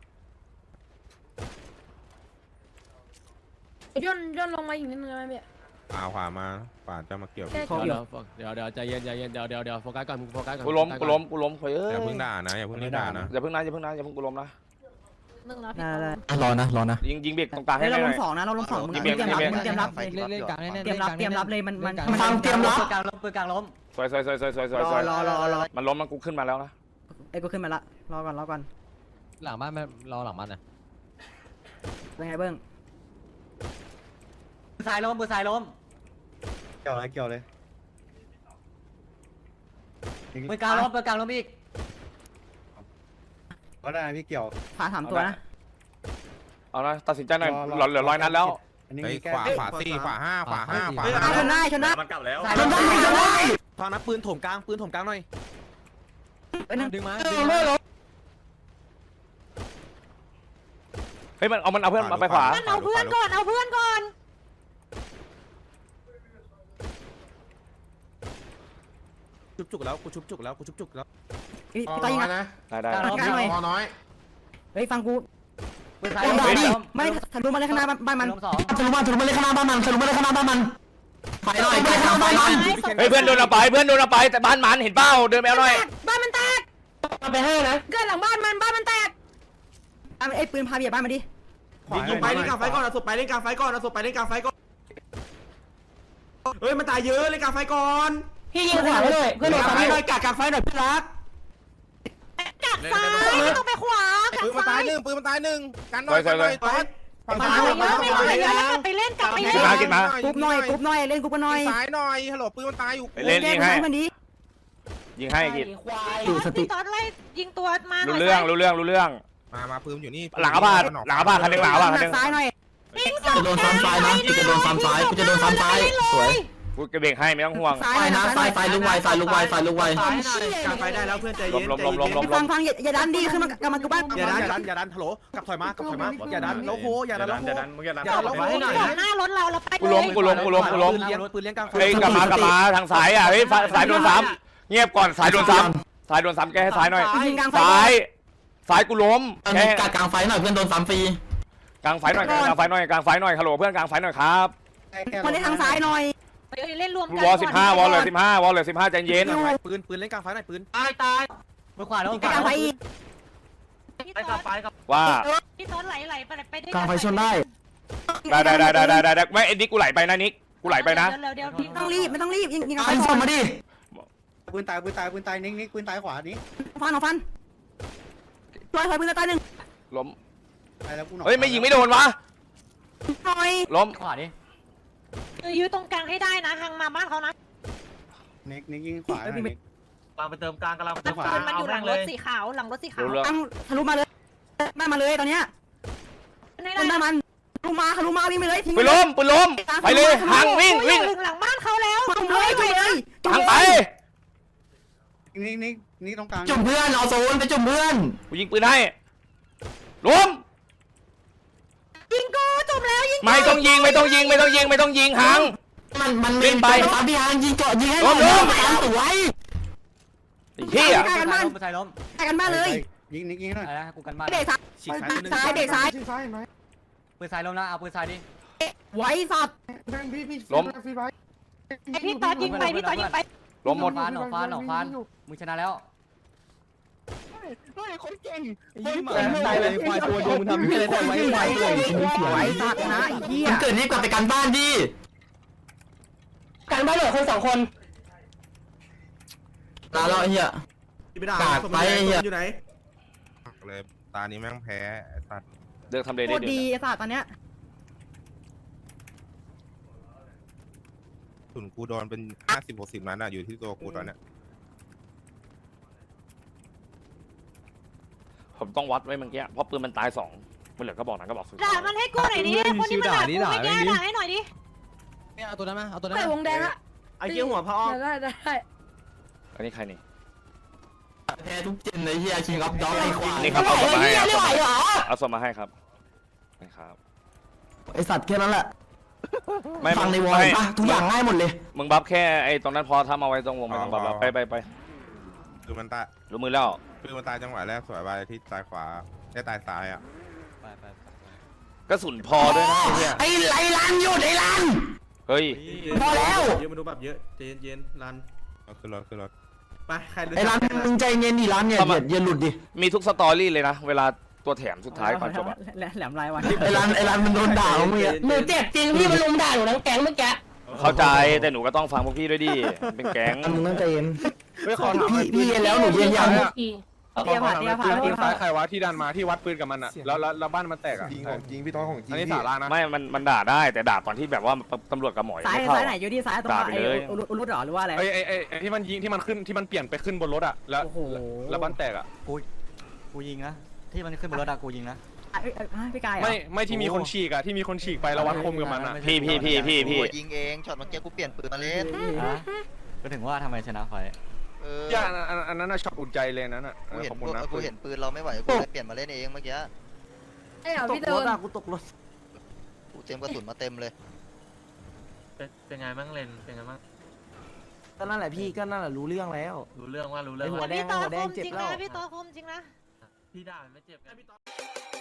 Speaker 9: ย่นย่นลงมาอีกนิดนึงได้ไหมพี่
Speaker 5: เอาขวามาขวาจะมาเกี่ยว
Speaker 9: แค่
Speaker 2: ครบอยู่
Speaker 4: เดี๋ยวเดี๋ยวใจเย็นใจเย็นเดี๋ยวเดี๋ยวเดี๋ยวโฟกัสก่อนมึงโฟกัสก่อน
Speaker 1: กูล้มกูล้มกูล้มเฮ้ย
Speaker 5: อย่าเพิ่งด่านะอย่าเพิ่งด่านะ
Speaker 1: อย่าเพิ่งนะอย่าเพิ่งนะอย่าเพิ่งกูล้มนะ
Speaker 9: หนึ่งแล้วพี่
Speaker 2: ได้ได้
Speaker 10: รอนะรอนะ
Speaker 1: ยิงยิงเบรกตรงกลาง
Speaker 2: เฮ้
Speaker 1: ให้
Speaker 2: ย
Speaker 1: ห
Speaker 2: เรา
Speaker 1: น่
Speaker 2: ล
Speaker 1: อย
Speaker 2: งสองนะเราลงสองมึง
Speaker 1: ยิง
Speaker 2: เต
Speaker 1: เบี
Speaker 2: รี
Speaker 1: ย
Speaker 2: ย
Speaker 1: ง
Speaker 2: มรับ
Speaker 1: ยิงเบียง
Speaker 2: มึงเตรียมรับ
Speaker 4: เล่นเล่นกลางแน่ๆ
Speaker 2: เตรียมรับเตรียมรับเลยมันมัน
Speaker 10: ฟังเตรียมรับ
Speaker 4: ปืนกลางล้มปืนกลางล้ม
Speaker 1: สวยสวยสวยสวยสวยสวย
Speaker 2: ร
Speaker 1: ส
Speaker 2: อ
Speaker 1: วย
Speaker 2: รอรอรอ
Speaker 1: มันล้มมันกูขึ้นมาแล้วนะ
Speaker 2: ไอ้กูขึ้นมาละรอก่อนรอก่อน
Speaker 4: หลังบ้านไม่รอหลังบ้านนะ
Speaker 2: เป็นไงเบิ้ง
Speaker 4: ปืนซ้ายล้มปืนซ้ายล้ม
Speaker 10: เกี่ยวอะไรเกี่ยวเลย
Speaker 4: ปืนกลางล้มปืนกลางล้มอีก
Speaker 10: ก็ได้พี่เกี่ยว
Speaker 2: ขวาสามตัวนะ
Speaker 1: เอานะตัดสินใจหน่อยหลอดเหลือร้อยนัดแล้ว
Speaker 10: อันนี้
Speaker 5: เฮ้ย
Speaker 10: มีแก้
Speaker 5: ขวาขวาสี่ขวาห้าขวาห้าขวา
Speaker 2: เฮ้ย
Speaker 5: ห้า
Speaker 2: ชนได้ชนได้
Speaker 11: มันกลับแล้ว
Speaker 10: ชนได้ชนได้
Speaker 3: ฟังนะปืนถมกลางปืนถมกลางหน่อย
Speaker 2: เอ้ยนั่น
Speaker 4: ดึงมา
Speaker 1: เฮ้ยมันเอามันเอาเพื่อนมาไปขวา
Speaker 6: เอาเพื่อนก่อนเอาเพื่อนก่อน
Speaker 3: ชุบจุกแล้วกูชุบจุกแล้วกูชุบจุกแล้ว
Speaker 2: พี่ต๊อดยิงนะ
Speaker 1: ได้ได้
Speaker 2: กลางหน่อย
Speaker 11: พอน้อย
Speaker 2: เฮ้ยฟังกู
Speaker 4: ปืนซ้าย
Speaker 2: ไม่
Speaker 4: ล้ม
Speaker 2: ได้ไม่ทะลุมาเลยข้างหน้าบ้านมัน
Speaker 4: ล้มสอง
Speaker 10: ทะลุมาทะลุมาเลยข้างหน้าบ้านมันทะลุมาเลยข้างหน้าบ้านมันไปหน่อยไปข้างหน้าบ้านมัน
Speaker 1: เฮ้ยเพื่อนโดนเอาไปเพื่อนโดนเอาไปแต่บ้านมันเห็นเป้าเดินไปเอาหน่อย
Speaker 9: บ้านมันแตก
Speaker 8: มาไปให้นะ
Speaker 9: เกิดหลังบ้านมันบ้านมันแตก
Speaker 2: ไอ้ปืนพาเบียดบ้านมาดิ
Speaker 3: ยิงยิงไปเล่นกลางไฟก่อนเอาศพไปเล่นกลางไฟก่อนเอาศพไปเล่นกลางไฟก่อนเฮ้ยมันตายเยอะเล่นกลางไฟก่อน
Speaker 8: พี่ยิงขวาไปเลยเพื่อน
Speaker 3: ก
Speaker 8: โดน
Speaker 3: ลาง
Speaker 8: ซ้ำ
Speaker 3: ไฟหน่อยกัดกลางไฟหน่อยพี่รัก
Speaker 6: กัดซ้ายไม่ต้องไปขวากัด
Speaker 5: ปืนมัน
Speaker 6: ซ้า
Speaker 5: ตาย
Speaker 6: ย
Speaker 5: หนึ่งปืนมันตายหนึ่งกันหน่อยกันหน่อยตอดฝั่ง
Speaker 6: มา
Speaker 5: ซ้าย
Speaker 6: เยอะไม่เหลือเยอะแล้วกลับไปเล่นกลับไปเล่น
Speaker 1: กินมากินมา
Speaker 2: กรุ๊ปหน่อยกรุ๊ปหน่อยเล่นกรุ๊ปกันหน่อย
Speaker 5: ซ้ายหน่อยฮัลโหลปืนมันตายอยู่
Speaker 1: ไปเล่นยิงให้
Speaker 2: มันดี
Speaker 1: ยิงให้กิน
Speaker 8: ควาย
Speaker 6: พี่ต๊อดไล่ยิงตัวมาหน่
Speaker 1: รู้
Speaker 6: อย
Speaker 1: เรื่องรู้เรื่องรู้เรื่อง
Speaker 5: มามาปืนอยู่นี่
Speaker 1: หลังอาบาดหลังอาบาดคันหนึงหลังอาบาดคันหนึง
Speaker 2: ซ้ายหน่อย
Speaker 1: เ
Speaker 10: จะโดนซ้ำซ้ายนะกูจะโดนซ้ำซ้ายกูจะโดนซ้ำซ้ายสวย
Speaker 1: กูกระเบงให้ไม่ต้องห่วง
Speaker 2: ซ้าย
Speaker 10: ไปนะซ้ายซ้ายลุกไวซ้ายลุกไวซ้ายลุกไว
Speaker 3: กลางไฟได้แล้วเพื่อนใจเย็น
Speaker 1: ลมลมลมลมล
Speaker 2: ฟัง
Speaker 1: ม
Speaker 2: ฟังอย่าอย่าดันดีขึ้นมากลับมากลับบ้าน
Speaker 3: อย่าดัน
Speaker 5: อย่าดันอย่าดันฮัลโหลกลับถอยมากลับถอยมาอย่าดันแล้วโหอย่าดันแล้วโห
Speaker 11: อย่าดันมึงอย่าดัน
Speaker 3: อย่าดันแล้วโหให้หน่อย
Speaker 6: จอดหน้ารถเราเราไป
Speaker 1: กูล้มกูล้มกูล้มกูล้ม
Speaker 3: ปืนเลี้ยงปืนเลี้ยงกลางไฟ
Speaker 1: เฮ้ยกลับมากลับมาทางซ้ายอ่ะเฮ้ยสายโดนซ้ำเงียบก่อนสายโดนซ้ำสายโดนซ้ำแกให้ซ้ายหน่อย
Speaker 2: ยิงกลางไฟ
Speaker 1: ซ้ายซ้ายกูล้มแก
Speaker 10: กลางไฟหน่อยเพื่อนโดนซ้ำฟรี
Speaker 1: กลางไฟหน่อยกลางไฟหน่อยกลางไฟหน่อยฮัลโหลเพื่อนกลางไฟหน่อยครับ
Speaker 2: คนในทางซ้ายหน่อย
Speaker 6: เล่นรวมกัน
Speaker 1: วอลสิบห้าวอลเลยสิบห้าวอลเลยสิบห้าใจเย็น
Speaker 5: ปืนปืนเล่นกลางไฟหน่อยปืน
Speaker 3: ตายตาย
Speaker 4: มือขวาแล้ว
Speaker 2: กลางไฟอีก
Speaker 6: พี่
Speaker 3: ไป
Speaker 6: ต้
Speaker 3: กับไฟกับ
Speaker 1: ว่า
Speaker 6: พี่ต้นไหลไหลไปไปด้วย
Speaker 10: กลางไฟชนได้
Speaker 1: ได้ได้ได้ได้ได้ได้ไม่ไอ้นิกกูไหลไปนะนิกกูไหลไปนะ
Speaker 6: เดี๋ยวเดี๋ยวพี่
Speaker 2: ไม่ต้องรีบไม่ต้องรีบยิงยิงกลางไฟ
Speaker 10: ไอ้
Speaker 2: ก่
Speaker 10: ส่
Speaker 2: อง น
Speaker 10: มาดิ
Speaker 3: ปืนตายปืนตายปืนตายนิ่งนิ่งปืนตายขวานี้
Speaker 2: ฟันเอาฟันช่วยถอยปืนตายหนึ่ง
Speaker 1: ล้ม
Speaker 3: ตายแล้วกูหน
Speaker 1: เฮ้ยไม่ยิงไม่โดนวะ
Speaker 2: หน่อย
Speaker 1: ล้ม
Speaker 4: ขวาดิ
Speaker 6: ยื้อตรงกลางให้ได้นะทางมาบ้านเขานะ
Speaker 3: นิ่งนิ่งยิงขวาหน่อยนิ่ง
Speaker 8: กำลังไปเติมกลางกำลังไปเติมขวา
Speaker 6: ปืนมันอยู่หลังรถสีขาวหลังรถสีขาว
Speaker 1: รู้เรื่อง
Speaker 2: ตั้งทะลุมาเลยได้มาเลยตอนเนี้ย
Speaker 6: ไม่
Speaker 2: เล่น
Speaker 6: ได้
Speaker 2: ได้มันทะลุมาทะลุมาวิ่งไปเลยทิ้ง
Speaker 1: ไปล้มไปล้มไปเลยหังวิ่งวิ่ง
Speaker 6: ถึงหลังบ้านเขาแล้ว
Speaker 2: จุ่มเลยจุ่มเลยจุ่ม
Speaker 1: หัง
Speaker 2: เล
Speaker 1: ไป
Speaker 2: ย
Speaker 3: นิ่งนิ่งนิ่งตรงกลาง
Speaker 10: จุ่มเพื่อนเอาโซนไปจุ่มเพื่อน
Speaker 1: กูยิงปืนให้ล้ม
Speaker 6: ยิงกูจุ่มแล้วยิง
Speaker 1: ไม่ต้องยิงไม่ต้องยิงไม่ต้องยิงไม่ต้องยิงหัง
Speaker 10: มันมัน
Speaker 1: เล่นไป
Speaker 10: ตามพี่ฮานยิงเจาะยิงให้
Speaker 1: ล้มล้ม
Speaker 10: ตามสวย
Speaker 1: ไอ้เหี้ย
Speaker 2: ใกล้กันบ้าน
Speaker 4: ปืนซ้ายล้ม
Speaker 2: ใกล้กันบ้านเลย
Speaker 3: ยิงนิ่งยิงหน่อย
Speaker 4: อะไรนะกูกันบ้าน
Speaker 2: เบรกซ้าย
Speaker 3: ฉีกซ้ายตัวนึง
Speaker 2: ซ้ายเบรกซ้าย
Speaker 4: ปืนซ้ายล้มนะเอาปืนซ้ายดิ
Speaker 2: ไว้สัตว์
Speaker 1: ล้ม
Speaker 6: ไอพี่ต้นยิงไปพี่ต้นยิงไป
Speaker 1: ล้มหมด
Speaker 4: ฟานออกฟานออกฟานมึงชนะแล้ว
Speaker 10: ตายเลยควายตัวมึงทำอะไรแต่ไว้ไว้เลย
Speaker 2: ไว้สัตว์นะไอ้เหี้ย
Speaker 10: มันเกิดนี่กลับไปกันบ้านดิ
Speaker 2: กันบ้านเหลือคนสองคน
Speaker 10: ลาแล้วไอ้เหี้ย
Speaker 3: ไปด่า
Speaker 10: ไปไอ้เหี้ย
Speaker 3: อยู่ไหน
Speaker 5: เลยตานี้แม่งแพ้ไอ้สัตว์
Speaker 1: เลือกทำเล
Speaker 2: โค
Speaker 1: ได้
Speaker 2: ตร
Speaker 1: เดื
Speaker 2: ดี
Speaker 1: อด
Speaker 2: ไอ้สัตว์ตอนเนี้ย
Speaker 5: ส่วนกูโดนเป็นห้าสิบหกสิบนัดอะอยู่ที่ตัวกูตอนเนี้ย
Speaker 1: ผมต้องวัดไว้เมื่อกี้เพราะปืนมันตายสองมันเหลือก็บอกนะก็บอกสุด
Speaker 6: ด่ามันให้กูหน่อยดิคนที่มันด่ากูไม่แก้ด่าให้หน่อยดิ
Speaker 4: เอาตัวนั้นมาเอาตัวนั้น
Speaker 9: ใส่
Speaker 4: มาว
Speaker 9: งแดงอะ
Speaker 3: ไอ้เกี้ยหัวพระอ้อม
Speaker 9: ได้ได้ได้
Speaker 1: อันนี้ใครนี่
Speaker 10: แพ้ทุกเจนเลยเหี้ยชิงอัพด็อกไอ้ควาย
Speaker 1: นี่ครับเอาศพมาให้เอาศพ
Speaker 10: ไหว
Speaker 1: มา
Speaker 10: เหรอ
Speaker 1: เอาศพมาให้ครับนะครับ
Speaker 10: ไอสัตว์แค่นั้นแหละ
Speaker 1: ไม่
Speaker 10: ฟังในวอล
Speaker 1: ไม่
Speaker 10: ปะทุกอย่างง่ายหมดเลย
Speaker 1: มึงบัฟแค่ไอ้ตรงนั้นพอถ้ามาไว้ตรงวงไม่ต้องบัฟแล้วไปไปไป
Speaker 5: คือมันตาย
Speaker 1: รู้มือแล้ว
Speaker 5: คือมันตายจังหวะแรกสวยไปที่ตายขวาได้ตายซ้ายอ่ะ
Speaker 4: ไปไป
Speaker 1: กระสุนพอด้วยนะไอ้เหี้ย
Speaker 10: ไอ้ไรลันหยุดไอ้ลัน
Speaker 1: เฮ้ย
Speaker 10: พอแล้ว
Speaker 3: เยอะมาดูแบบเยอะเย็นเย็นรัน
Speaker 5: เอาขึ้นรถขึ้นรถ
Speaker 3: ไปใครรู้
Speaker 10: ไอ้
Speaker 3: จั
Speaker 10: ลั
Speaker 3: ก
Speaker 10: นมึงใจเย็นดิลันอย่าอย่าอย่าหลุดดิ
Speaker 1: มีทุกสตอรี่เลยนะเวลาตัวแถมสุดท้ายก่อนจบอะ
Speaker 2: แหลมลายวัน
Speaker 10: ไอ้ลันไอ้ลันมันโดนด่าของมึงอะ
Speaker 2: หนูเจ็บจริงพี่มันลุมด่าหนูทั้งแก๊งเมื่อกี้
Speaker 1: เข้าใจแต่หนูก็ต้องฟังพวกพี่ด้วยดิเป็นแก๊ง
Speaker 10: มึงต้องใจเย็น
Speaker 5: ไม่ขอถาม
Speaker 10: พี่พี่เย็นแล้วหนูเย็นยัง
Speaker 2: เตี้ยผ่าเตี้ยผ่า
Speaker 5: ปื
Speaker 2: เตี้
Speaker 5: น
Speaker 2: ยผ่า
Speaker 5: ซ้ายใครวะที่ดันมาที่วัดปืนกับมันอ่ะแล้วแล้วบ้านมันแตกอ่ะ
Speaker 12: จริงของจริงพี่ต้อยของจริง
Speaker 5: อันนี้สาระนะ
Speaker 1: ไม่มันมันด่าได้แต่ด่าตอนที่แบบว่าตำรวจกับหมอย
Speaker 2: ซ้าย
Speaker 1: ไม่เข้า
Speaker 2: ซ้ายไหนอยู่ที่ซ้ายตรง
Speaker 1: ด่า
Speaker 2: ไหน
Speaker 1: ไปเลย
Speaker 2: อุรุหรอหรือว่าอะไร
Speaker 5: ไอ้ไอ้ไอ้ที่มันยิงที่มันขึ้นที่มันเปลี่ยนไปขึ้นบนรถอ่ะแล้ว
Speaker 2: โอ้โห
Speaker 5: แล้วบ้านแตกอ่ะ
Speaker 4: กูยิงนะที่มันขึ้นบนรถอะกูยิงนะ
Speaker 2: พี่กาย
Speaker 5: ไม่ไม่ที่มีคนฉีกอ่ะที่มีคนฉีกไปแล้ววัดคมกับมันอ่ะ
Speaker 1: พี่พี่พี่พี่พี่
Speaker 7: ยิงเองช็อตเมื่อกี้กูเปลี่ยนปืนมาเล่น
Speaker 4: ก็ถึงว่าทำไมชนะไฟ
Speaker 7: เออ
Speaker 5: อย่าอันอันนั้นน่ะช็อตอุ่นใจเลยนั้นอ่ะ
Speaker 7: กูเห็น
Speaker 5: ขอบคุณนะ
Speaker 7: กูเห็นปืนเราไม่ไหวกูเลยเปลี่ยนมาเล่นเองเมื่อกี้
Speaker 9: ไอ้เหรอ
Speaker 3: ตก
Speaker 9: พี่
Speaker 3: ร
Speaker 9: เดิ
Speaker 3: ถ
Speaker 9: น
Speaker 3: อะกูตกรถ
Speaker 7: กูเตรียมกระสุนมาเต็มเลย
Speaker 8: เป็นไงบ้างเลนเป็นไงบ้าง
Speaker 10: ก็นั่นแหละพี่ก็นั่นแหละรู้เรื่องแล้ว
Speaker 8: รู้เรื่องว่ารู้เรื่อง
Speaker 10: หัวแดง
Speaker 6: พี่ต่อ
Speaker 10: หัวแด
Speaker 6: ค
Speaker 10: ง
Speaker 6: ม
Speaker 10: เจ็บ
Speaker 6: จริง
Speaker 10: แล้ว
Speaker 6: นะพี่ต่อคมจริงนะ
Speaker 8: พี่ด่าไม่เจ็บไง